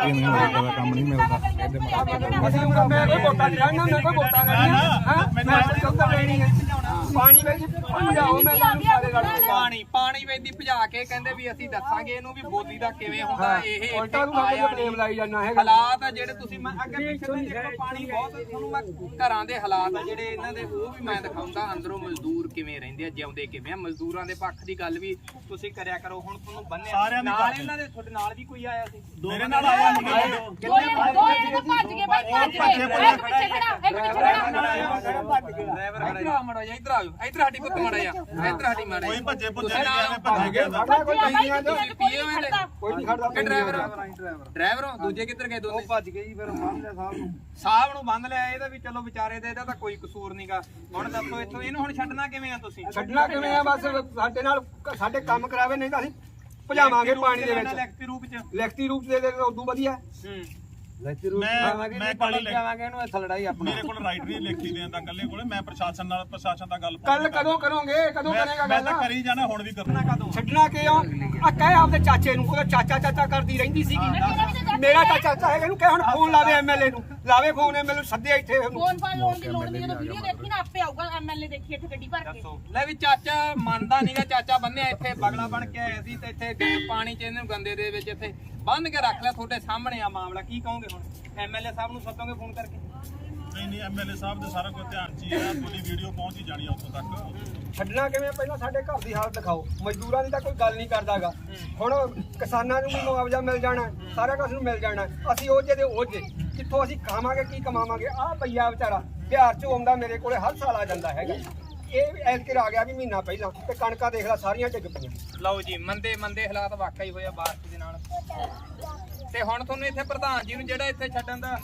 E: ਕੰਮ ਨਹੀਂ ਮਿਲਦਾ
B: ਅਸੀਂ ਮੈਂ ਕੋਈ ਵੋਟਾਂ ਨਹੀਂ ਰਹਿਣਾ, ਮੈਂ ਕੋਈ ਵੋਟਾਂ ਨਹੀਂ ਹਾਂ ਮੈਂ ਚੌਥਾ ਲੈਣੀ ਹੈ। ਪਾਣੀ ਵਿੱਚ ਭਜਾਓ, ਮੈਂ ਤੁਹਾਨੂੰ ਸਾਰੇ ਰਲ ਕੇ
D: ਪਾਣੀ ਪਾਣੀ ਵੇਦੀ ਭਜਾ ਕੇ ਕਹਿੰਦੇ ਵੀ ਅਸੀਂ ਦੱਸਾਂਗੇ ਇਹਨੂੰ ਵੀ ਬੋਲੀ ਦਾ ਕਿਵੇਂ ਹੁੰਦਾ। ਇਹ
B: ਉਲਟਾ ਨੂੰ ਮੈਂ ਬਲੇਮ ਲਾਈ ਜਾਂਦਾ ਹੈ।
D: ਹਾਲਾਤ ਆ ਜਿਹੜੇ ਤੁਸੀਂ ਮੈਂ ਅੱਗੇ ਪਿੱਛੇ ਤੋਂ ਦੇਖੋ, ਪਾਣੀ ਬਹੁਤ ਤੁਹਾਨੂੰ ਮੈਂ ਘਰਾਂ ਦੇ ਹਾਲਾਤ ਆ ਜਿਹੜੇ ਇਹਨਾਂ ਦੇ ਉਹ ਵੀ ਮੈਂ ਦਿਖਾਉਂਦਾ। ਅੰਦਰੋਂ ਮਜ਼ਦੂਰ ਕਿਵੇਂ ਰਹਿੰਦੇ ਆ, ਜਿਉਂਦੇ ਕਿਵੇਂ ਆ। ਮਜ਼ਦੂਰਾਂ ਦੇ ਪੱਖ ਦੀ ਗੱਲ ਵੀ ਤੁਸੀਂ ਕਰਿਆ ਕਰੋ। ਹੁਣ ਤੁਹਾਨੂੰ ਬੰਨਿਆ
A: ਸਾਰਿਆਂ ਦੀ
D: ਨਾਲ
A: ਗੱਲ।
D: ਇਹਨਾਂ ਦੇ ਤੁਹਾਡੇ ਨਾਲ ਵੀ ਕੋਈ ਆਇਆ ਸੀ?
A: ਮੇਰੇ ਨਾਲ ਆਇਆ ਮੁੰਡੇ
C: ਦੋ ਜਣੇ ਦੋ ਜਣੇ ਭੱਜ ਗਏ ਬਾਈ, ਭੱਜ ਗਏ। ਇੱਕ ਪਿੱਛੇ ਖੜਾ, ਇੱਕ ਪਿੱਛੇ ਖੜਾ।
D: ਡਰਾਈਵਰ ਇੱਧਰ ਆ ਮੜਾ ਜਾ, ਇੱਧਰ ਆਓ, ਇੱਧਰ ਸਾਡੀ ਪੁੱਤ ਮੜਾ ਜਾ, ਇੱਧਰ ਸਾਡੀ ਮੜਾ
A: ਕੋਈ
D: ਜਾ।
A: ਭੱਜੇ ਭੁੱਜੇ ਨਹੀਂ ਗਿਆ, ਭੱਜ ਗਿਆ ਤਾਂ।
B: ਸਾਡਾ ਕੋਈ ਨਹੀਂ ਆ
D: ਤੁਸੀਂ ਪੀਏ ਹੋਏ ਨੇ?
B: ਕੋਈ ਨਹੀਂ ਖੜਦਾ।
D: ਕਿ ਡਰਾਈਵਰ ਡਰਾਈਵਰ ਹੋ? ਦੂਜੇ ਕਿੱਧਰ ਗਏ ਦੋਨੇ?
B: ਭੱਜ ਗਏ ਜੀ, ਫਿਰ ਬੰਨ ਲਿਆ ਸਾਹਿਬ ਨੂੰ।
D: ਸਾਹਿਬ ਨੂੰ ਬੰਦ ਲਿਆ। ਇਹਦਾ ਵੀ ਚਲੋ ਵਿਚਾਰੇ ਦਾ ਇਹਦਾ ਤਾਂ ਕੋਈ ਕਸੂਰ ਨਹੀਂਗਾ। ਹੁਣ ਦੱਸੋ ਇੱਥੋਂ ਇਹਨੂੰ ਹੁਣ ਛੱਡਣਾ ਕਿਵੇਂ ਆ ਤੁਸੀਂ?
B: ਛੱਡਣਾ ਕਿਵੇਂ ਆ? ਬਸ ਸਾਡੇ ਨਾਲ ਸਾਡੇ ਕੰਮ ਕਰਾਵੇ, ਨਹੀਂ ਤਾਂ ਅਸੀਂ ਭਜਾਵਾਂਗੇ ਪਾਣੀ ਦੇ ਵਿੱਚ।
D: ਲਿਖਤੀ ਰੂਪ ਚ।
B: ਲਿਖਤੀ ਰੂਪ ਦੇ ਦੇ ਉਦੋਂ ਵਧੀਆ।
D: ਹੂੰ।
A: ਮੈਂ ਮੈਂ ਪਾਣੀ ਲੈ
B: ਜਾਵਾਂਗੇ ਇਹਨੂੰ ਇੱਥੇ ਲੜਾਈ ਆਪਣੀ।
A: ਮੇਰੇ ਕੋਲ ਰਾਈਟ ਨਹੀਂ ਲਿਖੀ ਦੇਣ ਦਾ ਕੱਲੇ ਕੋਲੇ। ਮੈਂ ਪ੍ਰਸ਼ਾਸਨ ਨਾਲ ਪ੍ਰਸ਼ਾਸਨ ਦਾ ਗੱਲ
B: ਕੱਲ ਕਦੋਂ ਕਰੋਗੇ? ਕਦੋਂ ਕਰੇਗਾ
A: ਮੈਂ ਤਾਂ
B: ਗੱਲ?
A: ਕਰੀ ਜਾਣਾ, ਹੁਣ ਵੀ ਕਰਨਾ।
D: ਕਦੋਂ?
B: ਛੱਡਣਾ ਕਿਉਂ? ਆ ਕਹਿ ਆਪਦੇ ਚਾਚੇ ਨੂੰ, ਉਹਦਾ ਚਾਚਾ ਚਾਚਾ ਕਰਦੀ ਰਹਿੰਦੀ ਸੀਗੀ। ਮੇਰਾ ਤਾਂ ਚਾਚਾ ਹੈਗਾ, ਇਹਨੂੰ ਕਹਿ ਹੁਣ ਫੋਨ ਲਾਵੇ ਐਮਐਲਏ ਨੂੰ, ਲਾਵੇ ਫੋਨ ਐਮਐਲਏ ਨੂੰ, ਸੱਦੇ ਇੱਥੇ ਉਹਨੂੰ।
C: ਫੋਨ ਫਾਨ ਲਾਉਣ ਦੀ ਲੋੜ ਨਹੀਂ, ਜਦੋਂ ਵੀਡੀਓ ਦੇਖੀ ਨਾ ਆਪੇ ਆਊਗਾ ਐਮਐਲਏ ਦੇਖੀ ਇੱਥੇ ਗੱਡੀ ਭਰ ਕੇ।
D: ਲੈ ਵੀ ਚਾਚਾ ਮੰਨਦਾ ਨਹੀਂਗਾ। ਚਾਚਾ ਬੰਨਿਆ ਇੱਥੇ ਬਗਲਾ ਬਣ ਕੇ ਆਇਆ ਸੀ ਤੇ ਇੱਥੇ ਪਾਣੀ ਚ ਇਹਨੂੰ ਗੰਦੇ ਦੇ ਵਿੱਚ ਇੱਥੇ ਬੰਨ ਕੇ ਰੱਖ ਲਿਆ। ਤੁਹਾਡੇ ਸਾਹਮਣੇ ਆ ਮਾਮਲਾ, ਕੀ ਕਹੋਗੇ ਹੁਣ? ਐਮਐਲਏ ਸਾਹਿਬ ਨੂੰ ਸੱਦੋਗੇ ਫੋਨ ਕਰਕੇ?
A: ਨਹੀਂ ਨਹੀਂ, ਐਮਐਲਏ ਸਾਹਿਬ ਦੇ ਸਾਰਾ ਕੁਝ ਧਿਆਨ ਚ ਹੀ ਹੈ। ਤੁਹਾਡੀ ਵੀਡੀਓ ਪਹੁੰਚ ਹੀ ਜਾਣੀ ਆ ਉੱਥੋਂ ਤੱਕ।
B: ਛੱਡਣਾ ਕਿਵੇਂ? ਪਹਿਲਾਂ ਸਾਡੇ ਘਰ ਦੀ ਹਾਲਤ ਦਿਖਾਓ। ਮਜ਼ਦੂਰਾਂ ਦੀ ਤਾਂ ਕੋਈ ਗੱਲ ਨਹੀਂ ਕਰਦਾਗਾ। ਹੁਣ ਕਿਸਾਨਾਂ ਨੂੰ ਵੀ ਮੁਆਵਜ਼ਾ ਮਿਲ ਜਾਣਾ, ਸਾਰਾ ਕੁਝ ਨੂੰ ਮਿਲ ਜਾਣਾ। ਅਸੀਂ ਉਹ ਜਿਹਦੇ ਉਹ ਜੇ ਕਿੱਥੋਂ ਅਸੀਂ ਖਾਵਾਂਗੇ, ਕੀ ਕਮਾਵਾਂਗੇ? ਆਹ ਪਈਆ ਵਿਚਾਰਾ ਬਿਹਾਰ ਚੋਂ ਆਉਂਦਾ, ਮੇਰੇ ਕੋਲੇ ਹਰ ਸਾਲ ਆ ਜਾਂਦਾ ਹੈਗਾ। ਇਹ ਐਤਕਿਰ ਆ ਗਿਆ ਵੀ ਮਹੀਨਾ ਪਹਿਲਾਂ, ਤੇ ਕਣਕਾਂ ਦੇਖ ਲੈ ਸਾਰੀਆਂ ਡਿੱਗ ਪਈਆਂ।
D: ਲਓ ਜੀ, ਮੰਦੇ ਮੰਦੇ ਹਾਲਾਤ ਵਾਕਈ ਹੋਇਆ ਬਾਰਿਸ਼ ਦੇ ਨਾਲ। ਤੇ ਹੁਣ ਤੁਹਾਨੂੰ ਇੱਥੇ ਪ੍ਰਧਾਨ ਜੀ ਨੂੰ ਜਿਹੜਾ ਇੱਥੇ ਛੱਡਣ ਦਾ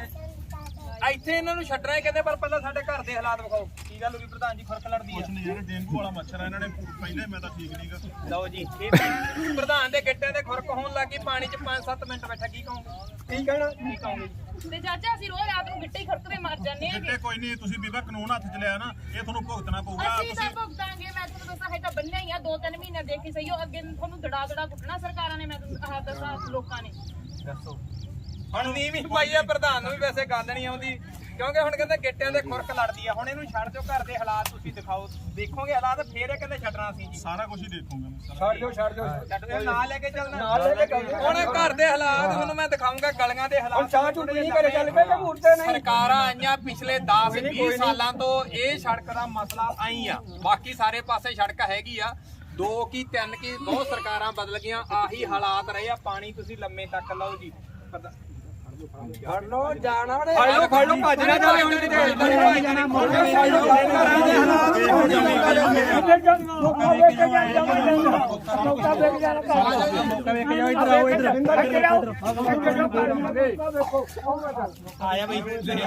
D: ਇੱਥੇ ਇਹਨਾਂ ਨੂੰ ਛੱਡਣਾ ਹੀ ਕਹਿੰਦੇ, ਪਰ ਪਹਿਲਾਂ ਸਾਡੇ ਘਰ ਦੇ ਹਾਲਾਤ ਵਿਖਾਓ। ਕੀ ਗੱਲ ਹੋ ਗਈ ਪ੍ਰਧਾਨ ਜੀ? ਖੁਰਕ ਲੜਦੀ
A: ਕੁਛ
D: ਆ?
A: ਨਹੀਂ, ਜਿਹੜੇ ਡੇਂਗੂ ਵਾਲਾ ਮੱਛਰ ਆ ਇਹਨਾਂ ਨੇ ਪਹਿਲੇ ਮੈਂ ਤਾਂ ਠੀਕ ਨਹੀਂਗਾ।
D: ਲਓ ਜੀ, ਇਹ ਪ੍ਰਧਾਨ ਦੇ ਗਿੱਟਿਆਂ ਦੇ ਖੁਰਕ ਹੋਣ ਲੱਗੀ, ਪਾਣੀ 'ਚ ਪੰਜ ਸੱਤ ਮਿੰਟ ਬੈਠਾ। ਕੀ ਕਹੋਗੇ?
B: ਕੀ ਕਹਿਣਾ?
D: ਕੀ ਕਹੋਗੇ?
C: ਤੇ ਚਾਚਾ ਅਸੀਂ ਰੋਜ਼ ਰਾਤ ਨੂੰ ਗਿੱਟੇ ਹੀ ਖੜਕਦੇ ਮਰ ਜਾਂਦੇ ਆ।
A: ਕਿਤੇ ਕੋਈ ਨਹੀਂ, ਤੁਸੀਂ ਬੀਬਾ ਕਾਨੂੰਨ ਹੱਥ ਚ ਲਿਆ ਨਾ, ਇਹ ਤੁਹਾਨੂੰ ਭੁਗਤਣਾ ਪਊਗਾ।
C: ਅਸੀਂ ਤਾਂ
A: ਤੁਸੀਂ
C: ਭੁਗਤਾਂਗੇ। ਮੈਂ ਤੁਹਾਨੂੰ ਦੱਸਾਂ, ਹੈ ਤਾਂ ਬੰਨਿਆ ਹੀ ਆ ਦੋ ਤਿੰਨ ਮਹੀਨੇ ਦੇਖੀ ਸਹੀ ਹੋ। ਅੱਗੇ ਤੁਹਾਨੂੰ ਦੜਾ ਦੜਾ ਕੁੱਟਣਾ ਸਰਕਾਰਾਂ ਨੇ, ਮੈਂ ਤੁਹਾਨੂੰ ਆਹ ਦੱਸਾਂ ਲੋਕਾਂ ਨੇ।
D: ਦੱਸੋ ਹੁਣ ਨੀਵੀਂ ਪਾਈ ਆ ਪ੍ਰਧਾਨ ਨੂੰ ਵੀ, ਵੈਸੇ ਗੱਲ ਨਹੀਂ ਆਉਂਦੀ ਕਿਉਂਕਿ ਹੁਣ ਕਹਿੰਦੇ ਗਿੱਟਿਆਂ ਦੇ ਖੁਰਕ ਲੜਦੀ ਆ। ਹੁਣ ਇਹਨੂੰ ਛੱਡ ਦਿਓ, ਘਰ ਦੇ ਹਾਲਾਤ ਤੁਸੀਂ ਦਿਖਾਓ, ਦੇਖੋਗੇ ਹਾਲਾਤ, ਫੇਰ ਇਹ ਕਹਿੰਦੇ ਛੱਡਣਾ ਸੀ ਜੀ।
A: ਸਾਰਾ ਕੁਝ ਹੀ ਦੇਖੂਗਾ ਮੈਂ ਸਾਰਾ।
B: ਛੱਡ ਦਿਓ, ਛੱਡ ਦਿਓ।
D: ਛੱਡ ਦਿਓ, ਨਾਲ ਲੈ ਕੇ ਚੱਲਣਾ।
B: ਨਾਲ ਲੈ ਕੇ ਚੱਲਦੇ।
D: ਹੁਣ ਘਰ ਦੇ ਹਾਲਾਤ ਤੁਹਾਨੂੰ ਮੈਂ ਦਿਖਾਉਂਗਾ, ਗਲੀਆਂ ਦੇ
B: ਹੁਣ
D: ਹਾਲਾਤ।
B: ਚਾਹ ਝੁੱਟ ਨਹੀਂ ਕਰੇ ਚੱਲ ਪਏ ਕਿ ਮੂਰਤੇ ਨਹੀਂ?
D: ਸਰਕਾਰਾਂ ਆਈਆਂ ਪਿਛਲੇ ਦਸ ਵੀਹ ਸਾਲਾਂ ਤੋਂ, ਇਹ ਸੜਕ ਦਾ ਮਸਲਾ ਆਈ ਆ। ਬਾਕੀ ਸਾਰੇ ਪਾਸੇ ਸੜਕ ਹੈਗੀ ਆ, ਦੋ ਕੀ ਤਿੰਨ ਕੀ ਬਹੁਤ ਸਰਕਾਰਾਂ ਬਦਲ ਗਈਆਂ, ਆਹੀ ਹਾਲਾਤ ਰਹੇ ਆ। ਪਾਣੀ ਤੁਸੀਂ ਲੰਮੇ ਤੱਕ ਲਓ ਜੀ। ਪਤਾ
B: ਫੜ ਲੋ ਜਾਣਾ ਨੇ, ਫੜ ਲੋ ਫੜ ਲੋ, ਭੱਜ ਨਾ ਜਾਵੇ ਹੁਣ ਕਿਤੇ। ਇੱਧਰ ਹੀ ਜਾਣਾ, ਫੜ ਲੋ ਫੜ ਲੋ।
D: ਆਇਆ ਬਈ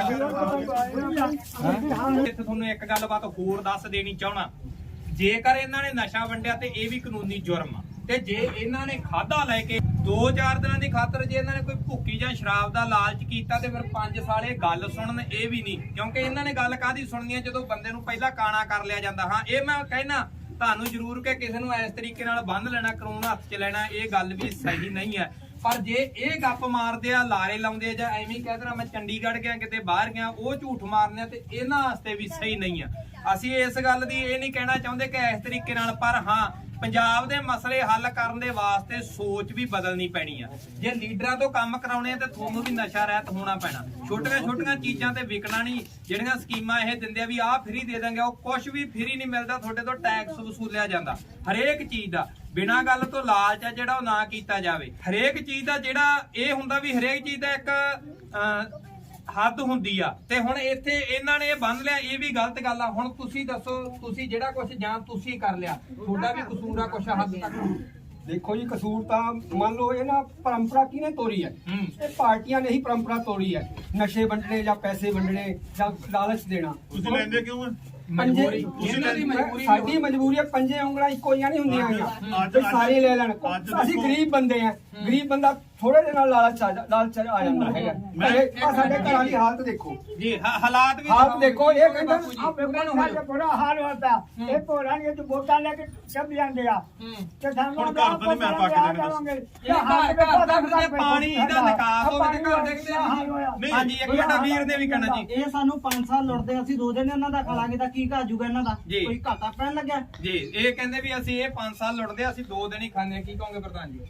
D: ਇੱਥੇ ਤੁਹਾਨੂੰ ਇੱਕ ਗੱਲਬਾਤ ਹੋਰ ਦੱਸ ਦੇਣੀ ਚਾਹਣਾ। ਜੇਕਰ ਇਹਨਾਂ ਨੇ ਨਸ਼ਾ ਵੰਡਿਆ ਤੇ ਇਹ ਵੀ ਕਾਨੂੰਨੀ ਜੁਰਮ ਆ, ਤੇ ਜੇ ਇਹਨਾਂ ਨੇ ਖਾਦਾ ਲੈ ਕੇ ਦੋ ਚਾਰ ਦਿਨਾਂ ਦੀ ਖਾਤਰ ਜੇ ਇਹਨਾਂ ਨੇ ਕੋਈ ਭੁੱਕੀ ਜਾਂ ਸ਼ਰਾਬ ਦਾ ਲਾਲਚ ਕੀਤਾ ਤੇ ਫਿਰ ਪੰਜ ਸਾਲ ਇਹ ਗੱਲ ਸੁਣਨ, ਇਹ ਵੀ ਨਹੀਂ। ਕਿਉਂਕਿ ਇਹਨਾਂ ਨੇ ਗੱਲ ਕਾਹਦੀ ਸੁਣਨੀ ਹੈ ਜਦੋਂ ਬੰਦੇ ਨੂੰ ਪਹਿਲਾਂ ਕਾਣਾ ਕਰ ਲਿਆ ਜਾਂਦਾ। ਹਾਂ, ਇਹ ਮੈਂ ਕਹਿਣਾ ਤੁਹਾਨੂੰ ਜ਼ਰੂਰ ਕਿ ਕਿਸੇ ਨੂੰ ਇਸ ਤਰੀਕੇ ਨਾਲ ਬੰਨ ਲੈਣਾ, ਕਾਨੂੰਨ ਹੱਥ 'ਚ ਲੈਣਾ, ਇਹ ਗੱਲ ਵੀ ਸਹੀ ਨਹੀਂ ਹੈ। ਪਰ ਜੇ ਇਹ ਗੱਪ ਮਾਰਦੇ ਆ, ਲਾਰੇ ਲਾਉਂਦੇ ਆ, ਜਾਂ ਐਵੇਂ ਕਹਿ ਦੇਣਾ ਮੈਂ ਚੰਡੀਗੜ੍ਹ ਗਿਆ ਕਿਤੇ ਬਾਹਰ ਗਿਆ, ਉਹ ਝੂਠ ਮਾਰਦੇ ਆ, ਤੇ ਇਹਨਾਂ ਵਾਸਤੇ ਵੀ ਸਹੀ ਨਹੀਂ ਆ। ਅਸੀਂ ਇਸ ਗੱਲ ਦੀ ਇਹ ਨਹੀਂ ਕਹਿਣਾ ਚਾਹੁੰਦੇ ਕਿ ਇਸ ਤਰੀਕੇ ਨਾਲ, ਪਰ ਹਾਂ ਪੰਜਾਬ ਦੇ ਮਸਲੇ ਹੱਲ ਕਰਨ ਦੇ ਵਾਸਤੇ ਸੋਚ ਵੀ ਬਦਲਣੀ ਪੈਣੀ ਆ। ਜੇ ਲੀਡਰਾਂ ਤੋਂ ਕੰਮ ਕਰਾਉਣੇ ਆ ਤੇ ਤੁਹਾਨੂੰ ਵੀ ਨਸ਼ਾ ਰਹਿਤ ਹੋਣਾ ਪੈਣਾ। ਛੋਟੀਆਂ ਛੋਟੀਆਂ ਚੀਜ਼ਾਂ ਤੇ ਵਿਕਣਾ ਨਹੀਂ। ਜਿਹੜੀਆਂ ਸਕੀਮਾਂ ਇਹ ਦਿੰਦੇ ਆ ਵੀ ਆਹ ਫ੍ਰੀ ਦੇ ਦਾਂਗੇ, ਉਹ ਕੁਝ ਵੀ ਫ੍ਰੀ ਨਹੀਂ ਮਿਲਦਾ। ਤੁਹਾਡੇ ਤੋਂ ਟੈਕਸ ਵਸੂਲਿਆ ਜਾਂਦਾ ਹਰੇਕ ਚੀਜ਼ ਦਾ। ਬਿਨਾਂ ਗੱਲ ਤੋਂ ਲਾਲਚ ਆ ਜਿਹੜਾ ਉਹ ਨਾ ਕੀਤਾ ਜਾਵੇ। ਹਰੇਕ ਚੀਜ਼ ਦਾ ਜਿਹੜਾ ਇਹ ਹੁੰਦਾ ਵੀ ਹਰੇਕ ਚੀਜ਼ ਦਾ ਇੱਕ ਅਹ ਹੱਦ ਹੁੰਦੀ ਆ। ਤੇ ਹੁਣ ਇੱਥੇ ਇਹਨਾਂ ਨੇ ਇਹ ਬੰਨ ਲਿਆ, ਇਹ ਵੀ ਗਲਤ ਗੱਲ ਆ। ਹੁਣ ਤੁਸੀਂ ਦੱਸੋ, ਤੁਸੀਂ ਜਿਹੜਾ ਕੁਝ ਜਾਂ ਤੁਸੀਂ ਕਰ ਲਿਆ, ਤੁਹਾਡਾ ਵੀ ਕਸੂਰ ਆ ਕੁਝ ਹੱਦ ਤੱਕ।
B: ਦੇਖੋ ਜੀ, ਕਸੂਰ ਤਾਂ ਮੰਨ ਲਓ ਇਹ ਨਾ ਪਰੰਪਰਾ ਕਿਹਨੇ ਤੋੜੀ ਹੈ? ਇਹ ਪਾਰਟੀਆਂ ਨੇ ਹੀ ਪਰੰਪਰਾ ਤੋੜੀ ਹੈ। ਨਸ਼ੇ ਵੰਡਣੇ ਜਾਂ ਪੈਸੇ ਵੰਡਣੇ ਜਾਂ ਲਾਲਚ ਦੇਣਾ।
A: ਤੁਸੀਂ ਲੈਂਦੇ ਕਿਉਂ ਆ?
D: ਮਜਬੂਰੀ
B: ਇਹਨਾਂ ਦੀ ਮਜਬੂਰੀ, ਸਾਡੀ ਮਜਬੂਰੀ ਹੈ। ਪੰਜੇ ਉਂਗਲਾਂ ਇੱਕੋ ਜਿਹੀਆਂ ਨਹੀਂ ਹੁੰਦੀਆਂ ਹੈਗੀਆਂ ਵੀ ਸਾਰੇ ਲੈ ਲੈਣ। ਅਸੀਂ ਗਰੀਬ ਬੰਦੇ ਆ, ਗਰੀਬ ਬੰਦਾ ਥੋੜੇ ਦੇ ਨਾਲ ਲਾਲਚ ਆ ਲਾਲਚ ਆ ਜਾਂਦਾ ਹੈਗਾ। ਇਹ ਸਾਡੇ ਘਰਾਂ ਦੀ ਹਾਲਤ ਦੇਖੋ
D: ਜੀ, ਹਾ- ਹਾਲਾਤ ਵੀ
B: ਹਾਲਤ ਦੇਖੋ। ਇਹ ਕਹਿੰਦਾ
F: आप लोगों बड़ा हाल होता है। एक तो रानी जो वोटा लेके जब जाते आ तो
A: ਹੁਣ ਘਰ ਤਾਂ ਨਹੀਂ ਮੈਂ ਪਾ ਕੇ ਦੇਣੇ ਦੱਸ।
D: ਇਹ ਘਰ ਘਰ ਤੱਕ ਦੇ ਪਾਣੀ ਦਾ ਨਿਕਾਸ ਹੋਵੇ ਤੇ ਘਰ ਦੇਖਦੇ
A: ਨਹੀਂ।
D: ਹਾਂਜੀ, ਇੱਕ ਮਿੰਟ ਵੀਰ ਨੇ ਵੀ ਕਹਿਣਾ ਜੀ।
G: ਇਹ ਸਾਨੂੰ ਪੰਜ ਸਾਲ ਲੁੱਟਦੇ, ਅਸੀਂ ਦੋ ਦਿਨ ਇਹਨਾਂ ਦਾ ਖਾਲਾਂਗੇ ਤਾਂ ਕੀ ਘਾਜੂਗਾ ਇਹਨਾਂ ਦਾ?
D: ਜੀ।
G: ਕੋਈ ਘਾਟਾ ਪੈਣ ਲੱਗਿਆ?
D: ਜੀ, ਇਹ ਕਹਿੰਦੇ ਵੀ ਅਸੀਂ ਇਹ ਪੰਜ ਸਾਲ ਲੁੱਟਦੇ, ਅਸੀਂ ਦੋ ਦਿਨ ਹੀ ਖਾਂਦੇ ਆ। ਕੀ ਕਹੋਗੇ ਪ੍ਰਧਾਨ ਜੀ?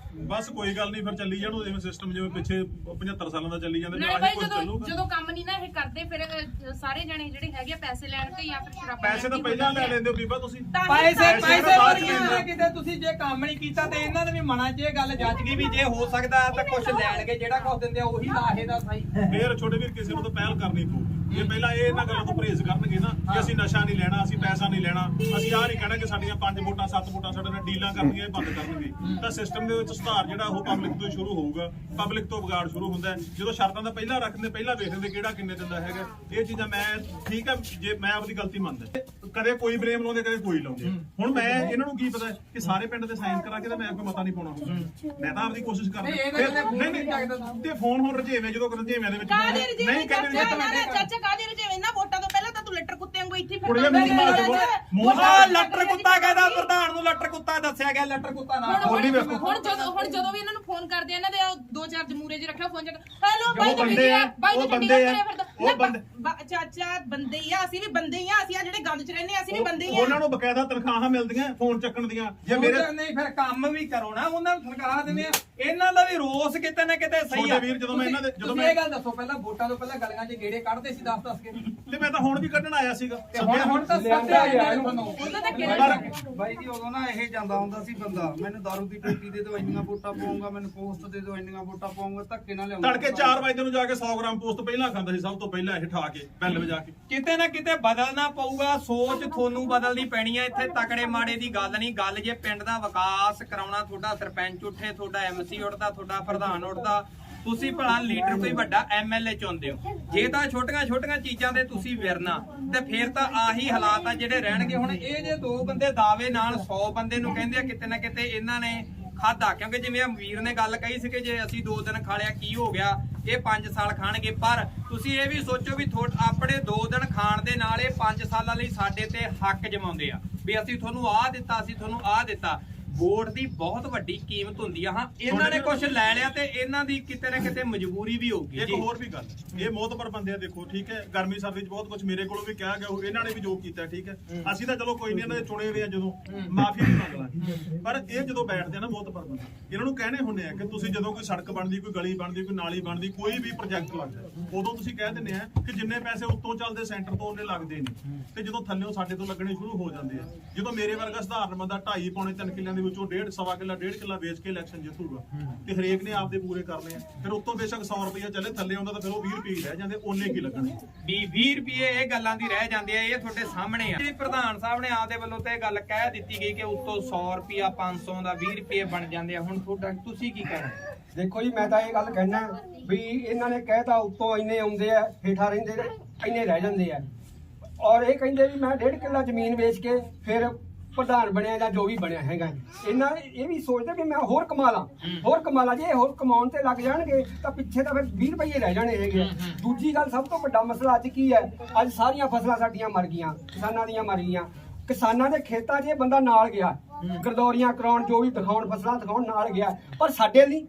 A: ਬਸ ਕੋਈ ਗੱਲ ਨਹੀਂ, ਫਿਰ ਚੱਲੀ ਜਾਣੋ ਜਿਵੇਂ ਸਿਸਟਮ ਜਿਵੇਂ ਪਿੱਛੇ ਪਝੱਤਰ ਸਾਲਾਂ ਦਾ ਚੱਲੀ ਜਾਂਦਾ।
C: ਨਾਲੇ
A: ਆਹੀ
C: ਭਾਈ
A: ਕੁਝ
C: ਜਦੋਂ
A: ਚੱਲੂਗਾ।
C: ਜਦੋਂ ਕੰਮ ਨਹੀਂ ਨਾ ਇਹ ਕਰਦੇ ਫਿਰ ਅਹ, ਸਾਰੇ ਜਣੇ ਜਿਹੜੇ ਹੈਗੇ ਆ ਪੈਸੇ ਲੈਣ ਤੇ ਜਾਂ ਫਿਰ ਸ਼ਰਾਬਾਂ
A: ਪੈਸੇ ਤਾਂ ਪਹਿਲਾਂ ਲੈ ਲੈਂਦੇ ਹੋ ਬੀਬਾ ਤੁਸੀਂ।
D: ਪੈਸੇ
A: ਪੈਸੇ
D: ਪੈਸੇ
A: ਬਾਅਦ ਚ
D: ਵਰਗੀਆਂ
A: ਲੈਂਦੇ।
D: ਕਿਤੇ ਤੁਸੀਂ ਜੇ ਕੰਮ ਨਹੀਂ ਕੀਤਾ ਤੇ ਇਹਨਾਂ ਦੇ ਵੀ ਮਨਾਂ 'ਚ ਇਹ ਗੱਲ ਜੱਜ ਗਈ ਵੀ ਜੇ ਹੋ ਸਕਦਾ ਤਾਂ ਕੁਝ ਲੈਣਗੇ, ਜਿਹੜਾ ਕੁਝ ਦਿੰਦੇ ਆ ਉਹੀ ਲਾਹੇ ਦਾ ਸਹੀ।
A: ਫੇਰ ਛੋਟੇ ਵੀਰ ਕਿਸੇ ਨੂੰ ਤਾਂ ਪਹਿਲ ਕਰਨੀ ਪਊਗੀ। ਜੇ ਪਹਿਲਾਂ ਇਹ ਇਹਨਾਂ ਗੱਲਾਂ ਤੋਂ ਪਰਹੇਜ਼ ਕਰਨਗੇ ਨਾ ਕਿ ਅਸੀਂ ਨਸ਼ਾ ਨਹੀਂ ਲੈਣਾ, ਅਸੀਂ ਪੈਸਾ ਨਹੀਂ ਲੈਣਾ, ਅਸੀਂ ਆਹ ਨਹੀਂ ਕਹਿਣਾ ਕਿ ਸਾਡੀਆਂ ਪੰਜ ਵੋਟਾਂ ਸੱਤ ਵੋਟਾਂ ਸਾਡੇ ਨਾਲ ਡੀਲਾਂ ਕਰਨੀਆਂ, ਇਹ ਬੰਦ ਕਰਨਗੇ, ਤਾਂ ਸਿਸਟਮ ਦੇ ਵਿੱਚ ਸੁਧਾਰ ਜਿਹੜਾ ਉਹ ਪਬਲਿਕ ਤੋਂ ਸ਼ੁਰੂ ਹੋਊਗਾ। ਪਬਲਿਕ ਤੋਂ ਵਿਗਾੜ ਸ਼ੁਰੂ ਹੁੰਦਾ ਹੈ ਜਦੋਂ ਸ਼ਰਤਾਂ ਦਾ ਪਹਿਲਾਂ ਰੱਖਦੇ, ਪਹਿਲਾਂ ਵੇਖਦੇ ਕਿਹੜਾ ਕਿੰਨੇ ਦਿੰਦਾ ਹੈਗਾ। ਇਹ ਚੀਜ਼ਾਂ ਮੈਂ ਠੀਕ ਹੈ, ਜੇ ਮੈਂ ਆਪਣੀ ਗਲਤੀ ਮੰਨਦਾ, ਕਦੇ ਕੋਈ ਬਲੇਮ ਲਾਉਂਦੇ ਕਦੇ ਕੋਈ ਲਾਉਂਦੇ। ਹੁਣ ਮੈਂ ਇਹਨਾਂ ਨੂੰ ਕੀ ਪਤਾ ਕਿ ਸਾਰੇ ਪਿੰਡ ਦੇ ਸਾਈਨ ਕਰਾ ਕੇ ਤਾਂ ਮੈਂ ਕੋਈ ਮਤਾ ਨਹੀਂ ਪਾਉਣਾ ਹੁੰਦਾ। ਮੈਂ ਤਾਂ ਆਪਦੀ ਕੋਸ਼ਿਸ਼ ਕਰਦਾ। ਨਹੀਂ ਨਹੀਂ ਤੇ ਫੋਨ ਹੁਣ ਰਜੇਵੇਂ ਜਦੋਂ ਰਜੇਵਿਆਂ ਦੇ ਵਿੱਚ
C: ਕਾਹਦੇ ਰਜੇਵੇਂ
A: ਨਹੀਂ ਕਹਿੰਦੇ
C: ਚਾਚਾ ਕਾਹਦੇ ਰਜੇਵੇਂ? ਨਾ ਵੋਟਾਂ ਤੋਂ ਪਹਿਲਾਂ ਤਾਂ ਤੂੰ ਲੱਟਰ ਕੁੱਤੇ ਵਾਂਗੂ ਇੱਥੇ ਫਿਰਦਾ
A: ਕੁੜੀਆਂ ਮੈਨੂੰ ਮਾਰ ਦਿਓ। ਮੂੰਹ
D: ਆ ਲੱਟਰ ਕੁੱਤਾ ਕਹਿੰਦਾ ਪ੍ਰਧਾਨ ਨੂੰ, ਲੱਟਰ ਕੁੱਤਾ ਦੱਸਿਆ ਗਿਆ। ਲੱਟਰ ਕੁੱਤਾ ਨਾ
C: ਹੁਣ
A: ਬੋਲੀ ਵੇਖੋ।
C: ਹੁਣ ਜਦੋਂ ਹੁਣ ਜਦੋਂ ਵੀ ਇਹਨਾਂ ਨੂੰ ਫੋਨ ਕਰਦੇ ਆ, ਇਹਨਾਂ ਦੇ ਉਹ ਦੋ ਚਾਰ ਜਮੂਰੇ 'ਚ ਰੱਖਿਆ ਫੋਨ 'ਚ, ਹੈਲੋ ਬਾਈ
A: ਉਹ ਬੰਦੇ ਆ,
C: ਬਾਈ
A: ਉਹ
C: ਤੇ
A: ਬੰਦੇ ਆ,
C: ਚੰਡੀਗੜ੍ਹ
A: ਉਹ ਬੰਦੇ।
C: ਚਾਚਾ ਬੰਦੇ ਹੀ ਆ, ਅਸੀਂ ਵੀ ਬੰਦੇ ਹੀ ਆ। ਅਸੀਂ ਆ ਜਿਹੜੇ ਗੰਦ 'ਚ ਰਹਿੰਦੇ ਆ, ਅਸੀਂ ਵੀ ਬੰਦੇ ਹੀ ਆ।
A: ਉਹਨਾਂ ਨੂੰ ਬਕਾਇਦਾ ਤਨਖਾਹਾਂ ਮਿਲਦੀਆਂ ਫੋਨ ਚੱਕਣ ਦੀਆਂ। ਜੇ ਮੇਰੇ
D: ਨਹੀਂ ਫਿਰ ਕੰਮ ਵੀ ਕਰੋ ਨਾ, ਉਹਨਾਂ ਨੂੰ ਸਰਕਾਰ ਦਿੰਦੇ ਆ। ਇਹਨਾਂ ਦਾ ਵੀ ਰੋਸ ਕਿਤੇ ਨਾ ਕਿਤੇ ਸਹੀ ਆ।
A: ਛੋਟੇ ਵੀਰ, ਜਦੋਂ ਮੈਂ ਇਹਨਾਂ ਦੇ- ਜਦੋਂ
D: ਤੁਸੀਂ
A: ਮੈਂ-
D: ਇਹ ਗੱਲ ਦੱਸੋ, ਪਹਿਲਾਂ ਵੋਟਾਂ ਤੋਂ ਪਹਿਲਾਂ ਗਲੀਆਂ 'ਚ ਗੇੜੇ ਕੱਢਦੇ ਸੀ ਦਸ ਦਸ ਕੇ,
A: ਤੇ ਮੈਂ ਤਾਂ ਹੁਣ ਵੀ ਕੱਢਣ ਆਇਆ ਸੀਗਾ।
D: ਤੇ ਹੁਣ ਹੁਣ ਤਾਂ ਸੱਤਿਆ ਗਿਆ ਤੁਹਾਨੂੰ।
C: ਉਹਨਾਂ ਦਾ
A: ਪਰ
H: ਬਾਈ ਜੀ ਉਦੋਂ ਨਾ ਇਹ ਜਾਂਦਾ ਹੁੰਦਾ ਸੀ ਬੰਦਾ, ਮੈਨੂੰ ਦਾਰੂ ਦੀ ਪੇਟੀ ਦੇ ਦਿਓ ਇੰਨੀਆਂ ਵੋਟਾਂ ਪਾਉਂਗਾ, ਮੈਨੂੰ ਪੋਸਟ ਦੇ ਦਿਓ ਇੰਨੀਆਂ ਵੋਟਾਂ ਪਾਉਂਗਾ, ਧੱਕੇ ਨਾਲ ਲਿਆਉਂਦਾ।
A: ਤੜਕੇ ਚਾਰ ਵਜੇ ਨੂੰ ਜਾ ਕੇ ਸੌ ਗ੍ਰਾਮ ਪੋਸਟ ਪਹਿਲਾਂ ਖਾਂਦਾ ਸੀ, ਸਭ ਤੋਂ ਪਹਿਲਾਂ ਇਹ ਠਾ ਕੇ ਬੈਲ ਵਜਾ ਕੇ।
D: ਕਿਤੇ ਨਾ ਕਿਤੇ ਬਦਲਣਾ ਪਊਗਾ। ਸੋਚ ਤੁਹਾਨੂੰ ਬਦਲਣੀ ਪੈਣੀ ਹੈ। ਇੱਥੇ ਤਕੜੇ ਮਾੜੇ ਦੀ ਗੱਲ ਨਹੀਂ। ਗੱਲ ਜੇ ਪਿੰਡ ਦਾ ਵਿਕਾਸ ਕਰਾਉਣਾ, ਤੁਹਾਡਾ ਸਰਪੰਚ ਉੱਠੇ, ਤੁਹਾਡਾ ਐਮਸੀ ਉੱਠਦਾ, ਤੁਹਾਡਾ ਪ੍ਰਧਾਨ ਉੱਠਦਾ, ਤੁਸੀਂ ਭਲਾ ਲੀਡਰ ਕੋਈ ਵੱਡਾ ਐਮਐਲਏ ਚੁਣਦੇ ਹੋ। ਜੇ ਤਾਂ ਛੋਟੀਆਂ ਛੋਟੀਆਂ ਚੀਜ਼ਾਂ ਦੇ ਤੁਸੀਂ ਵਿਰਨਾ ਤੇ ਫਿਰ ਤਾਂ ਆਹੀ ਹਾਲਾਤ ਆ ਜਿਹੜੇ ਰਹਿਣਗੇ। ਹੁਣ ਇਹ ਜੇ ਦੋ ਬੰਦੇ ਦਾਅਵੇ ਨਾਲ ਸੌ ਬੰਦੇ ਨੂੰ ਕਹਿੰਦੇ ਆ, ਕਿਤੇ ਨਾ ਕਿਤੇ ਇਹਨਾਂ ਨੇ ਖਾਦਾ। ਕਿਉਂਕਿ ਜਿਵੇਂ ਵੀਰ ਨੇ ਗੱਲ ਕਹੀ ਸੀ ਕਿ ਜੇ ਅਸੀਂ ਦੋ ਦਿਨ ਖਾ ਲਿਆ ਕੀ ਹੋ ਗਿਆ, ਇਹ ਪੰਜ ਸਾਲ ਖਾਣਗੇ। ਪਰ ਤੁਸੀਂ ਇਹ ਵੀ ਸੋਚੋ ਵੀ ਆਪਣੇ ਦੋ ਦਿਨ ਖਾਣ ਦੇ ਨਾਲ ਇਹ ਪੰਜ ਸਾਲਾਂ ਲਈ ਸਾਡੇ ਤੇ ਹੱਕ ਜਮਾਉਂਦੇ ਆ ਵੀ ਅਸੀਂ ਤੁਹਾਨੂੰ ਆਹ ਦਿੱਤਾ, ਅਸੀਂ ਤੁਹਾਨੂੰ ਆਹ ਦਿੱਤਾ। ਵੋਟ ਦੀ ਬਹੁਤ ਵੱਡੀ ਕੀਮਤ ਹੁੰਦੀ ਆ। ਹਾਂ, ਇਹਨਾਂ ਨੇ ਕੁਝ ਲੈ ਲਿਆ ਤੇ ਇਹਨਾਂ ਦੀ ਕਿਤੇ ਨਾ ਕਿਤੇ ਮਜਬੂਰੀ ਵੀ ਹੋਊਗੀ।
A: ਇੱਕ ਹੋਰ ਵੀ ਗੱਲ, ਇਹ ਮੋਤਬਰ ਬੰਦੇ ਆ, ਦੇਖੋ ਠੀਕ ਹੈ, ਗਰਮੀ ਸਰਦੀ ਚ ਬਹੁਤ ਕੁਝ ਮੇਰੇ ਕੋਲੋਂ ਵੀ ਕਿਹਾ ਗਿਆ, ਇਹਨਾਂ ਨੇ ਵੀ ਜੋ ਕੀਤਾ ਠੀਕ ਹੈ। ਅਸੀਂ ਤਾਂ ਚਲੋ ਕੋਈ ਨਹੀਂ, ਇਹਨਾਂ ਦੇ ਚੁਣੇ ਹੋਏ ਆ, ਜਦੋਂ ਮਾਫੀ ਵੀ ਮੰਗ ਲਾਂਗੇ। ਪਰ ਇਹ ਜਦੋਂ ਬੈਠਦੇ ਆ ਨਾ ਮੋਤਬਰ ਬੰਦੇ, ਇਹਨਾਂ ਨੂੰ ਕਹਿਣੇ ਹੁੰਦੇ ਆ ਕਿ ਤੁਸੀਂ ਜਦੋਂ ਕੋਈ ਸੜਕ ਬਣਦੀ, ਕੋਈ ਗਲੀ ਬਣਦੀ, ਕੋਈ ਨਾਲੀ ਬਣਦੀ, ਕੋਈ ਵੀ ਪ੍ਰੋਜੈਕਟ ਲੱਗਦਾ, ਉਦੋਂ ਤੁਸੀਂ ਕਹਿ ਦਿੰਦੇ ਆ ਕਿ ਜਿੰਨੇ ਪੈਸੇ ਉੱਤੋਂ ਚੱਲਦੇ ਸੈਂਟਰ ਤੋਂ ਉਹਨੇ ਲੱਗਦੇ ਨਹੀਂ, ਤੇ ਜਦੋਂ ਥੱਲੇੋਂ ਸਾਡੇ ਤੋਂ ਲੱਗਣੇ ਸ਼ੁਰੂ ਹੋ ਜਾਂਦੇ ਆ। ਜਦੋਂ ਮੇਰੇ ਵਰਗਾ ਸਧਾਰਨ ਬੰਦਾ ਢਾਈ ਪੌਣੇ ਤਿੰਨ ਕਿੱਲਿਆਂ ਦੇ ਵਿੱਚੋਂ ਡੇਢ ਸਵਾ ਕਿੱਲਾ ਡੇਢ ਕਿੱਲਾ ਵੇਚ ਕੇ ਇਲੈਕਸ਼ਨ ਜਿੱਤੂਗਾ, ਤੇ ਹਰੇਕ ਨੇ ਆਪਦੇ ਪੂਰੇ ਕਰਨੇ ਆ। ਫਿਰ ਉੱਤੋਂ ਬੇਸ਼ੱਕ ਸੌ ਰੁਪਇਆ ਚੱਲੇ, ਥੱਲੇ ਆਉਂਦਾ ਤਾਂ ਫਿਰ ਉਹ ਵੀਹ ਰੁਪਏ ਹੀ ਰਹਿ ਜਾਂਦੇ, ਉਹਨੇ ਕੀ ਲੱਗਣੇ।
D: ਵੀਹ ਰੁਪਏ ਇਹ ਗੱਲਾਂ ਦੀ ਰਹਿ ਜਾਂਦੇ ਆ। ਇਹ ਤੁਹਾਡੇ ਸਾਹਮਣੇ ਆ। ਪ੍ਰਧਾਨ ਸਾਹਿਬ ਨੇ ਆਪਦੇ ਵੱਲੋਂ ਤੇ ਇਹ ਗੱਲ ਕਹਿ ਦਿੱਤੀ ਗਈ ਕਿ ਉੱਤੋਂ ਸੌ ਰੁਪਇਆ ਪੰਜ ਸੌ ਦਾ ਵੀਹ ਰੁਪਏ ਬਣ ਜਾਂਦੇ ਆ। ਹੁਣ ਤੁਹਾਡਾ ਤੁਸੀਂ ਕੀ ਕਹਿਣਾ?
B: ਦੇਖੋ ਜੀ, ਮੈਂ ਤਾਂ ਇਹ ਗੱਲ ਕਹਿਣਾ ਵੀ ਇਹਨਾਂ ਨੇ ਕਹਿਤਾ ਉੱਤੋਂ ਇੰਨੇ ਆਉਂਦੇ ਆ, ਹੇਠਾਂ ਰਹਿੰਦੇ ਇੰਨੇ ਰਹਿ ਜਾਂਦੇ ਆ। ਔਰ ਇਹ ਕਹਿੰਦੇ ਵੀ ਮੈਂ ਡੇਢ ਕਿੱਲਾ ਜ਼ਮੀਨ ਵੇਚ ਕੇ ਫਿਰ ਪ੍ਰਧਾਨ ਬਣਿਆ ਜਾਂ ਜੋ ਵੀ ਬਣਿਆ ਹੈਗਾ। ਇਹਨਾਂ ਇਹ ਵੀ ਸੋਚਦੇ ਵੀ ਮੈਂ ਹੋਰ ਕਮਾ ਲਾਂ, ਹੋਰ ਕਮਾ ਲਾਂ। ਜੇ ਹੋਰ ਕਮਾਉਣ ਤੇ ਲੱਗ ਜਾਣਗੇ ਤਾਂ ਪਿੱਛੇ ਤਾਂ ਫਿਰ ਵੀਹ ਰੁਪਏ ਰਹਿ ਜਾਣੇ ਹੈਗੇ। ਦੂਜੀ ਗੱਲ, ਸਭ ਤੋਂ ਵੱਡਾ ਮਸਲਾ ਅੱਜ ਕੀ ਹੈ? ਅੱਜ ਸਾਰੀਆਂ ਫਸਲਾਂ ਸਾਡੀਆਂ ਮਰ ਗਈਆਂ, ਕਿਸਾਨਾਂ ਦੀਆਂ ਮਰ ਗਈਆਂ। ਕਿਸਾਨਾਂ ਦੇ ਖੇਤਾਂ 'ਚ ਇਹ ਬੰਦਾ ਨਾਲ ਗਿਆ, ਗਰਦੌਰੀਆਂ ਕਰਾਉਣ, ਜੋ ਵੀ ਦਿਖਾਉਣ, ਫਸਲਾਂ ਦਿਖਾਉਣ ਨਾਲ ਗਿਆ, ਪਰ ਸਾਡੇ ਲਈ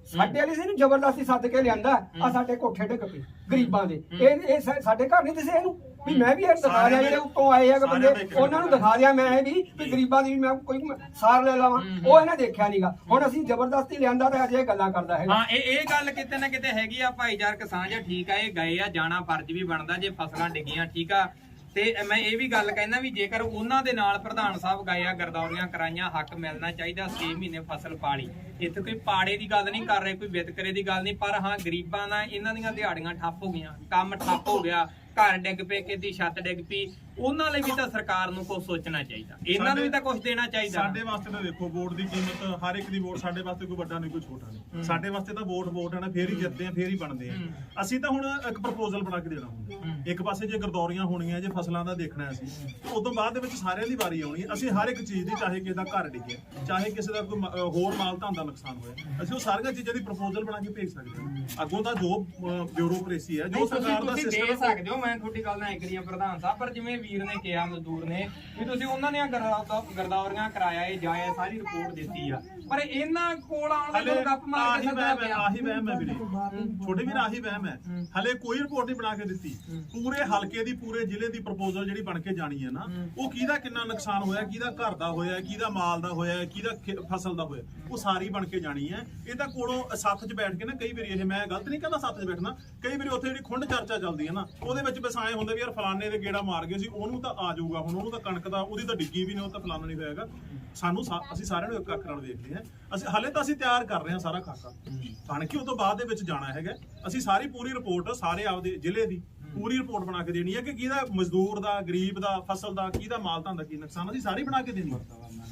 B: ਸਾਡੇ ਵਾਲੀ ਸੀ ਨੂੰ ਜ਼ਬਰਦਸਤੀ ਸੱਦ ਕੇ ਲਿਆਂਦਾ ਆ ਸਾਡੇ ਕੋਠੇ ਢਕ ਪਏ ਗਰੀਬਾਂ ਦੇ ਇਹ ਇਹ ਸਾ- ਸਾਡੇ ਘਰ ਨਹੀਂ ਦਿਸੇ ਇਹਨੂੰ ਵੀ ਮੈਂ ਵੀ ਇਹ ਦਿਖਾ ਦਿਆਂ ਜਿਹੜੇ ਉੱਤੋਂ ਆਏ ਆ ਬੰਦੇ ਉਹਨਾਂ ਨੂੰ ਦਿਖਾ ਦਿਆਂ ਮੈਂ ਇਹ ਵੀ ਵੀ ਗਰੀਬਾਂ ਦੀ ਵੀ ਮੈਂ ਕੋਈ ਸਾਰ ਲੈ ਲਵਾਂ ਉਹ ਇਹਨਾਂ ਦੇਖਿਆ ਨਹੀਂਗਾ ਹੁਣ ਅਸੀਂ ਜ਼ਬਰਦਸਤੀ ਲਿਆਂਦਾ ਤੇ ਅੱਜ ਇਹ ਗੱਲਾਂ ਕਰਦਾ ਹੈਗਾ
D: ਹਾਂ ਇਹ ਇਹ ਗੱਲ ਕਿਤੇ ਨਾ ਕਿਤੇ ਹੈਗੀ ਆ ਭਾਈਚਾਰਕ ਸਾਂਝ ਆ, ਠੀਕ ਆ ਇਹ ਗਏ ਆ ਜਾਣਾ ਫਰਜ਼ ਵੀ ਬਣਦਾ ਜੇ ਫਸਲਾਂ ਡਿੱਗੀਆਂ ਠੀਕ ਆ ਤੇ ਮੈਂ ਇਹ ਵੀ ਗੱਲ ਕਹਿੰਦਾ ਵੀ ਜੇਕਰ ਉਹਨਾਂ ਦੇ ਨਾਲ ਪ੍ਰਧਾਨ ਸਾਹਿਬ ਗਏ ਆ ਗਰਦੌਰੀਆਂ ਕਰਾਈਆਂ ਹੱਕ ਮਿਲਣਾ ਚਾਹੀਦਾ ਛੇ ਮਹੀਨੇ ਫਸਲ ਪਾਲੀ ਇੱਥੇ ਕੋਈ ਪਾੜੇ ਦੀ ਗੱਲ ਨਹੀਂ ਕਰ ਰਹੇ ਕੋਈ ਵਿਤਕਰੇ ਦੀ ਗੱਲ ਨਹੀਂ ਪਰ ਹਾਂ ਗਰੀਬਾਂ ਦਾ ਇਹਨਾਂ ਦੀਆਂ ਦਿਹਾੜੀਆਂ ਠੱਪ ਹੋ ਗਈਆਂ ਕੰਮ ਠੱਪ ਹੋ ਗਿਆ ਘਰ ਡਿੱਗ ਪਏ ਕਿਤੇ ਛੱਤ ਡਿੱਗ ਪਈ ਉਹਨਾਂ ਲਈ ਵੀ ਤਾਂ ਸਰਕਾਰ ਨੂੰ ਕੁਝ ਸੋਚਣਾ ਚਾਹੀਦਾ ਇਹਨਾਂ ਨੂੰ ਵੀ ਤਾਂ ਕੁਝ ਦੇਣਾ ਚਾਹੀਦਾ
A: ਸਾਡੇ ਵਾਸਤੇ ਤਾਂ ਦੇਖੋ ਵੋਟ ਦੀ ਕੀਮਤ ਹਰ ਇੱਕ ਦੀ ਵੋਟ ਸਾਡੇ ਵਾਸਤੇ ਕੋਈ ਵੱਡਾ ਨਹੀਂ ਕੋਈ ਛੋਟਾ ਨਹੀਂ ਸਾਡੇ ਵਾਸਤੇ ਤਾਂ ਵੋਟ ਵੋਟ ਹੈ ਨਾ ਫੇਰ ਹੀ ਜਿੱਤਦੇ ਆ ਫੇਰ ਹੀ ਬਣਦੇ ਆ ਅਸੀਂ ਤਾਂ ਹੁਣ ਇੱਕ ਪ੍ਰਪੋਜ਼ਲ ਬਣਾ ਕੇ ਦੇਣਾ ਹੁੰਦਾ ਇੱਕ ਪਾਸੇ ਜੇ ਗਰਦੌਰੀਆਂ ਹੋਣੀਆਂ ਜੇ ਫਸਲਾਂ ਦਾ ਦੇਖਣਾ ਅਸੀਂ ਤੇ ਉਸ ਤੋਂ ਬਾਅਦ ਦੇ ਵਿੱਚ ਸਾਰਿਆਂ ਦੀ ਵਾਰੀ ਆਉਣੀ ਅਸੀਂ ਹਰ ਇੱਕ ਚੀਜ਼ ਦੀ ਚਾਹੇ ਕਿਸੇ ਦਾ ਘਰ ਡਿੱਗਿਆ ਚਾਹੇ ਕਿਸੇ ਦਾ ਕੋਈ ਮ- ਅਹ ਹੋਰ ਮਾਲ ਧਨ ਦਾ ਨੁਕਸਾਨ ਹੋਇਆ ਅਸੀਂ ਉਹ ਸਾਰੀਆਂ ਚੀਜ਼ਾਂ ਦੀ ਪ੍ਰਪੋਜ਼ਲ ਬਣਾ ਕੇ ਭੇਜ ਸਕਦੇ ਹਾਂ ਅੱਗੋਂ ਤਾਂ ਜੋ ਬਿਊਰੋਕ੍ਰੇਸੀ ਹੈ ਜੋ ਸਰਕਾਰ ਦਾ
D: ਤੁਸੀਂ ਦੇ
A: ਸਿਸਟਮ
D: ਸਕਦੇ ਹੋ ਮੈਂ ਤੁਹਾਡੀ ਗੱਲ ਨਾਲ ਐਗਰੀ ਆ ਪ੍ਰਧਾਨ ਸਾਹਿਬ ਪਰ ਜਿਵੇਂ ਵੀਰ ਨੇ ਕਿਹਾ ਮਜ਼ਦੂਰ ਨੇ ਵੀ ਤੁਸੀਂ ਉਹਨਾਂ ਦੀਆਂ ਗਰਦਾ- ਗਰਦਾਵਰੀਆਂ ਕਰਾਇਆ ਇਹ ਜਾਇਆ ਸਾਰੀ ਰਿਪੋਰਟ ਦਿੱਤੀ ਆ ਪਰ ਇਹਨਾਂ ਕੋਲ ਆਉਣ
A: ਹਲੇ
D: ਵਾਲੇ ਗੱਪ ਮਾਰ
A: ਆਹੀ
D: ਕੇ ਸੱਦਣਾ
A: ਵਹਿਮ ਹੈ
D: ਪਿਆ
A: ਆਹੀ ਵਹਿਮ ਹੈ ਵੀਰੇ ਛੋਟੇ ਵੀਰ ਆਹੀ ਵਹਿਮ ਹੈ ਹਲੇ ਕੋਈ ਰਿਪੋਰਟ ਨਹੀਂ ਬਣਾ ਕੇ ਦਿੱਤੀ ਪੂਰੇ ਹਲਕੇ ਦੀ ਪੂਰੇ ਜ਼ਿਲ੍ਹੇ ਦੀ ਪ੍ਰਪੋਜ਼ਲ ਜਿਹੜੀ ਬਣ ਕੇ ਜਾਣੀ ਹੈ ਨਾ ਉਹ ਕਿਹਦਾ ਕਿੰਨਾ ਨੁਕਸਾਨ ਹੋਇਆ ਕਿਹਦਾ ਘਰ ਦਾ ਹੋਇਆ ਕਿਹਦਾ ਮਾਲ ਦਾ ਹੋਇਆ ਕਿਹਦਾ ਖੇ- ਫਸਲ ਦਾ ਹੋਇਆ ਉਹ ਸਾਰੀ ਬਣ ਕੇ ਜਾਣੀ ਹੈ ਇਹ ਤਾਂ ਕੋਲੋਂ ਸੱਥ 'ਚ ਬੈਠ ਕੇ ਨਾ ਕਈ ਵਾਰੀ ਇਹ ਮੈਂ ਗਲਤ ਨਹੀਂ ਕਹਿੰਦਾ ਸੱਥ 'ਚ ਬੈਠਣਾ ਕਈ ਵਾਰੀ ਉੱਥੇ ਜਿਹੜੀ ਖੁੰਡ ਚਰਚਾ ਚੱਲਦੀ ਹੈ ਨਾ ਉਹਦੇ ਵਿੱਚ ਬਸ ਐਂ ਹੁੰਦਾ ਵੀ ਯਾਰ ਫਲਾਣੇ ਦੇ ਗੇੜਾ ਮਾਰ ਗਏ ਸੀ ਉਹਨੂੰ ਤਾਂ ਆ ਜਾਊਗਾ ਹੁਣ ਉਹਨੂੰ ਤਾਂ ਕਣਕ ਦਾ ਉਹਦੀ ਤਾਂ ਡਿੱਗੀ ਵੀ ਨਹੀਂ ਉਹ ਤਾਂ ਫਲਾਣਾ ਨਹੀਂ ਹੋਇਆਗਾ ਸਾਨੂੰ ਸਾ- ਅਸੀਂ ਸਾਰਿਆਂ ਨੂੰ ਇੱਕ ਅੱਖ ਨਾਲ ਵੇਖਦੇ ਹਾਂ ਅਸੀਂ ਹਲੇ ਤਾਂ ਅਸੀਂ ਤਿਆਰ ਕਰ ਰਹੇ ਹਾਂ ਸਾਰਾ ਖਾਕਾ ਬਣ ਕੇ ਉਹ ਤੋਂ ਬਾਅਦ ਦੇ ਵਿੱਚ ਜਾਣਾ ਹੈਗਾ ਅਸੀਂ ਸਾਰੀ ਪੂਰੀ ਰਿਪੋਰਟ ਸਾਰੇ ਆਪਦੇ ਜ਼ਿਲ੍ਹੇ ਦੀ ਪੂਰੀ ਰਿਪੋਰਟ ਬਣਾ ਕੇ ਦੇਣੀ ਹੈ ਕਿ ਕਿਹਦਾ ਮਜ਼ਦੂਰ ਦਾ ਗਰੀਬ ਦਾ ਫਸਲ ਦਾ ਕਿਹਦਾ ਮਾਲ ਧਨ ਦਾ ਕੀ ਨੁਕਸਾਨ ਅਸੀਂ ਸਾਰੀ ਬਣਾ ਕੇ ਦੇਣੀ ਹੈ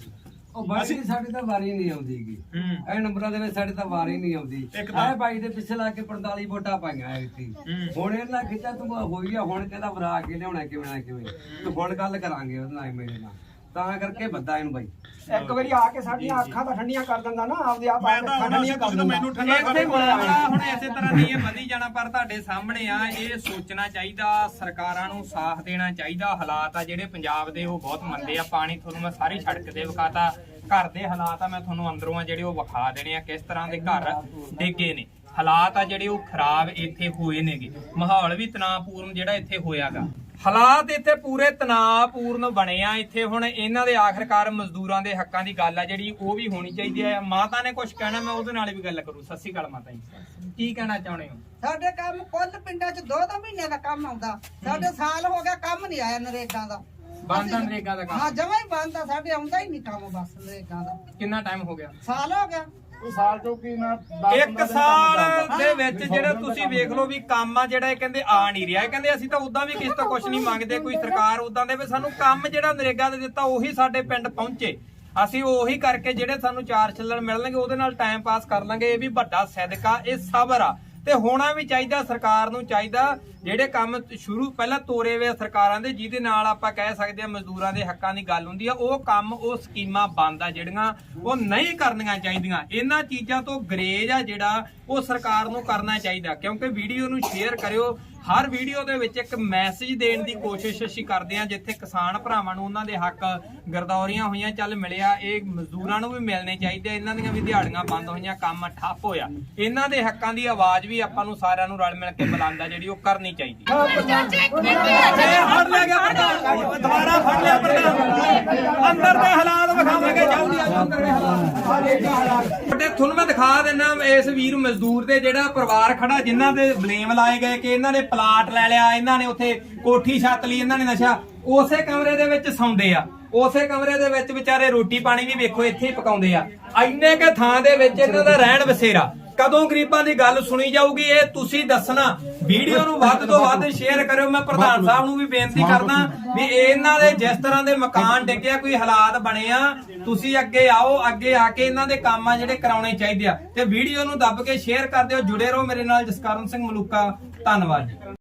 I: ਉਹ ਬਾਈ ਜੀ ਸਾਡੀ ਤਾਂ ਵਾਰੀ ਨਹੀਂ ਆਉਂਦੀਗੀ ਇਹ ਨੰਬਰਾਂ ਦੇ ਵਿੱਚ ਸਾਡੀ ਤਾਂ ਵਾਰੀ ਨਹੀਂ ਆਉਂਦੀ
A: ਇੱਕ ਤਾਂ-
I: ਇਹ ਬਾਈ ਦੇ ਪਿੱਛੇ ਲਾ ਕੇ ਪੰਤਾਲੀ ਵੋਟਾਂ ਪਾਈਆਂ ਐਤੀ ਹੁਣ ਇਹਨਾਂ ਖਿੱਚਾ ਤੂੰ ਹੋਈ ਆ ਹੁਣ ਕਹਿੰਦਾ ਵਰਾ ਕੇ ਲਿਆਉਣਾ ਕਿਵੇਂ ਨਾ ਕਿਵੇਂ ਤੂੰ ਹੁਣ ਗੱਲ ਕਰਾਂਗੇ ਉਹਦੇ ਨਾਲ ਮੇਰੇ ਨਾਲ ਤਾਂ ਕਰਕੇ ਬੱਦਾ ਇਹਨੂੰ ਬਾਈ
B: ਇੱਕ ਵਾਰੀ ਆ ਕੇ ਸਾਡੀਆਂ ਅੱਖਾਂ ਤਾਂ ਠੰਡੀਆਂ ਕਰ ਦਿੰਦਾ ਨਾ ਆਪਦੇ ਆਪ
A: ਮੈਂ ਤਾਂ ਹੁਣ
B: ਠੰਡੀਆਂ ਕਰ
A: ਤੁਸੀਂ ਮੈਨੂੰ ਠੰਡਾ
D: ਇੱਥੇ ਮਾਮਲਾ ਹੁਣ ਇਸੇ ਤਰ੍ਹਾਂ ਨਹੀਂ ਇਹ ਵਧੀ ਜਾਣਾ ਪਰ ਤੁਹਾਡੇ ਸਾਹਮਣੇ ਆ ਇਹ ਸੋਚਣਾ ਚਾਹੀਦਾ ਸਰਕਾਰਾਂ ਨੂੰ ਸਾਥ ਦੇਣਾ ਚਾਹੀਦਾ ਹਾਲਾਤ ਆ ਜਿਹੜੇ ਪੰਜਾਬ ਦੇ ਉਹ ਬਹੁਤ ਮੰਦੇ ਆ ਪਾਣੀ ਤੁਹਾਨੂੰ ਮੈਂ ਸਾਰੀ ਸੜਕ ਤੇ ਵਿਖਾਤਾ ਘਰ ਦੇ ਹਾਲਾਤ ਆ ਮੈਂ ਤੁਹਾਨੂੰ ਅੰਦਰੋਂ ਆ ਜਿਹੜੇ ਉਹ ਵਿਖਾ ਦੇਣੇ ਆ ਕਿਸ ਤਰ੍ਹਾਂ ਦੇ ਘਰ ਡਿੱਗੇ ਨੇ ਹਾਲਾਤ ਆ ਜਿਹੜੇ ਉਹ ਖਰਾਬ ਇੱਥੇ ਹੋਏ ਨੇਗੇ ਮਾਹੌਲ ਵੀ ਤਣਾਅਪੂਰਨ ਜਿਹੜਾ ਇੱਥੇ ਹੋਇਆਗਾ ਹਾਲਾਤ ਇੱਥੇ ਪੂਰੇ ਤਣਾਅਪੂਰਨ ਬਣੇ ਆ ਇੱਥੇ ਹੁਣ ਇਹਨਾਂ ਦੇ ਆਖਰਕਾਰ ਮਜ਼ਦੂਰਾਂ ਦੇ ਹੱਕਾਂ ਦੀ ਗੱਲ ਆ ਜਿਹੜੀ ਉਹ ਵੀ ਹੋਣੀ ਚਾਹੀਦੀ ਹੈ ਮਾਤਾ ਨੇ ਕੁਝ ਕਹਿਣਾ ਮੈਂ ਉਹਦੇ ਨਾਲ ਵੀ ਗੱਲ ਕਰੂ ਸਤਿ ਸ਼੍ਰੀ ਅਕਾਲ ਮਾਤਾ ਜੀ ਕੀ ਕਹਿਣਾ ਚਾਹੁੰਦੇ ਹੋ
J: ਸਾਡੇ ਕੰਮ ਕੁੱਲ ਪਿੰਡਾਂ 'ਚ ਦੋ ਦੋ ਮਹੀਨਿਆਂ ਦਾ ਕੰਮ ਆਉਂਦਾ ਸਾਡੇ ਸਾਲ ਹੋ ਗਿਆ ਕੰਮ ਨਹੀਂ ਆਇਆ ਨਰੇਗਾ ਦਾ
D: ਬੰਦ ਆ ਨਰੇਗਾ ਦਾ ਕੰਮ
J: ਹਾਂ ਜਮਾਂ ਹੀ ਬੰਦ ਆ ਸਾਡੇ ਆਉਂਦਾ ਹੀ ਨਹੀਂ ਕੰਮ ਬਸ ਨਰੇਗਾ ਦਾ
D: ਕਿੰਨਾ ਟਾਈਮ ਹੋ ਗਿਆ
J: ਸਾਲ ਹੋ ਗਿਆ
D: ਇੱਕ ਸਾਲ ਦੇ ਵਿੱਚ ਜਿਹੜਾ ਤੁਸੀਂ ਵੇਖ ਲਓ ਵੀ ਕੰਮ ਆ ਜਿਹੜਾ ਇਹ ਕਹਿੰਦੇ ਆ ਨਹੀਂ ਰਿਹਾ ਇਹ ਕਹਿੰਦੇ ਅਸੀਂ ਤਾਂ ਉਦਾਂ ਵੀ ਕਿਸੇ ਤੋਂ ਕੁਝ ਨਹੀਂ ਮੰਗਦੇ ਕੋਈ ਸਰਕਾਰ ਉਦਾਂ ਦੇ ਵੀ ਸਾਨੂੰ ਕੰਮ ਜਿਹੜਾ ਨਰੇਗਾ ਦੇ ਦਿੱਤਾ ਉਹੀ ਸਾਡੇ ਪਿੰਡ ਪਹੁੰਚੇ ਅਸੀਂ ਉਹੀ ਕਰਕੇ ਜਿਹੜੇ ਸਾਨੂੰ ਚਾਰ ਛੱਲਣ ਮਿਲਣਗੇ ਉਹਦੇ ਨਾਲ ਟਾਈਮ ਪਾਸ ਕਰ ਲਾਂਗੇ ਇਹ ਵੀ ਵੱਡਾ ਸਦਕਾ ਇਹ ਸਬਰ ਆ ਤੇ ਹੋਣਾ ਵੀ ਚਾਹੀਦਾ ਸਰਕਾਰ ਨੂੰ ਚਾਹੀਦਾ ਜਿਹੜੇ ਕੰਮ ਸ਼ੁਰੂ ਪਹਿਲਾਂ ਤੋਰੇ ਹੋਏ ਸਰਕਾਰਾਂ ਦੇ ਜਿਹਦੇ ਨਾਲ ਆਪਾਂ ਕਹਿ ਸਕਦੇ ਆ ਮਜ਼ਦੂਰਾਂ ਦੇ ਹੱਕਾਂ ਦੀ ਗੱਲ ਹੁੰਦੀ ਆ ਉਹ ਕੰਮ ਉਹ ਸਕੀਮਾਂ ਬੰਦ ਆ ਜਿਹੜੀਆਂ ਉਹ ਨਹੀਂ ਕਰਨੀਆਂ ਚਾਹੀਦੀਆਂ ਇਹਨਾਂ ਚੀਜ਼ਾਂ ਤੋਂ ਗਰੇਜ ਆ ਜਿਹੜਾ ਉਹ ਸਰਕਾਰ ਨੂੰ ਕਰਨਾ ਚਾਹੀਦਾ ਕਿਉਂਕਿ ਵੀਡੀਓ ਨੂੰ ਸ਼ੇਅਰ ਕਰਿਓ ਹਰ ਵੀਡੀਓ ਦੇ ਵਿੱਚ ਇੱਕ ਮੈਸੇਜ ਦੇਣ ਦੀ ਕੋਸ਼ਿਸ਼ ਅਸੀਂ ਕਰਦੇ ਆ ਜਿੱਥੇ ਕਿਸਾਨ ਭਰਾਵਾਂ ਨੂੰ ਉਹਨਾਂ ਦੇ ਹੱਕ ਗਰਦੌਰੀਆਂ ਹੋਈਆਂ ਚੱਲ ਮਿਲਿਆ ਇਹ ਮਜ਼ਦੂਰਾਂ ਨੂੰ ਵੀ ਮਿਲਣੇ ਚਾਹੀਦੇ ਇਹਨਾਂ ਦੀਆਂ ਵੀ ਦਿਹਾੜੀਆਂ ਬੰਦ ਹੋਈਆਂ ਕੰਮ ਠੱਪ ਹੋਇਆ ਇਹਨਾਂ ਦੇ ਹੱਕਾਂ ਦੀ ਆਵਾਜ਼ ਵੀ ਆਪਾਂ ਨੂੰ ਸਾਰਿਆਂ ਨੂੰ ਰਲ ਮਿਲ ਕੇ ਬੁਲੰਦ ਆ ਜਿਹੜੀ ਉਹ ਕਰਨੀ ਚਾਹੀਦੀ ਫੜ ਲਿਆ ਗਿਆ ਦੁਬਾਰਾ ਫੜ ਲਿਆ ਪ੍ਰਧਾਨ ਅੰਦਰ ਦੇ ਹਾਲਾਤ ਵਿਖਾਵਾਂਗੇ ਜਲਦੀ ਆ ਅੰਦਰ ਦੇ ਹਾਲਾਤ ਤੇ ਤੁਹਾਨੂੰ ਮੈਂ ਦਿਖਾ ਦਿੰਦਾ ਇਸ ਵੀਰ ਮਜ਼ਦੂਰ ਦੇ ਜਿਹੜਾ ਪਰਿਵਾਰ ਖੜਾ ਜਿਨ੍ਹਾਂ ਦੇ ਬਲੇਮ ਲਾਏ ਗਏ ਕਿ ਇਹਨਾਂ ਨੇ ਪਲਾਟ ਲੈ ਲਿਆ ਇਹਨਾਂ ਨੇ ਉੱਥੇ ਕੋਠੀ ਛੱਤ ਲਈ ਇਹਨਾਂ ਨੇ ਨਸ਼ਾ ਉਸੇ ਕਮਰੇ ਦੇ ਵਿੱਚ ਸੌਂਦੇ ਆ ਉਸੇ ਕਮਰੇ ਦੇ ਵਿੱਚ ਵਿਚਾਰੇ ਰੋਟੀ ਪਾਣੀ ਵੀ ਵੇਖੋ ਇੱਥੇ ਹੀ ਪਕਾਉਂਦੇ ਆ ਇੰਨੇ ਕੇ ਥਾਂ ਦੇ ਵਿੱਚ ਇਹਨਾਂ ਦਾ ਰਹਿਣ ਬਸੇਰਾ ਕਦੋਂ ਗਰੀਬਾਂ ਦੀ ਗੱਲ ਸੁਣੀ ਜਾਊਗੀ ਇਹ ਤੁਸੀਂ ਦੱਸਣਾ ਵੀਡੀਓ ਨੂੰ ਵੱਧ ਤੋਂ ਵੱਧ ਸ਼ੇਅਰ ਕਰਿਓ ਮੈਂ ਪ੍ਰਧਾਨ ਸਾਹਿਬ ਨੂੰ ਵੀ ਬੇਨਤੀ ਕਰਦਾ ਵੀ ਇਹਨਾਂ ਦੇ ਜਿਸ ਤਰ੍ਹਾਂ ਦੇ ਮਕਾਨ ਡਿੱਗਿਆ ਕੋਈ ਹਾਲਾਤ ਬਣੇ ਆ ਤੁਸੀਂ ਅੱਗੇ ਆਓ ਅੱਗੇ ਆ ਕੇ ਇਹਨਾਂ ਦੇ ਕੰਮ ਆ ਜਿਹੜੇ ਕਰਾਉਣੇ ਚਾਹੀਦੇ ਆ ਤੇ ਵੀਡੀਓ ਨੂੰ ਦੱਬ ਕੇ ਸ਼ੇਅਰ ਕਰ ਦਿਓ ਜੁੜੇ ਰਹੋ ਮੇਰੇ ਨਾਲ ਜਸਕਰਨ ਸਿੰਘ ਮਲੂਕਾ ਧੰਨਵਾਦ।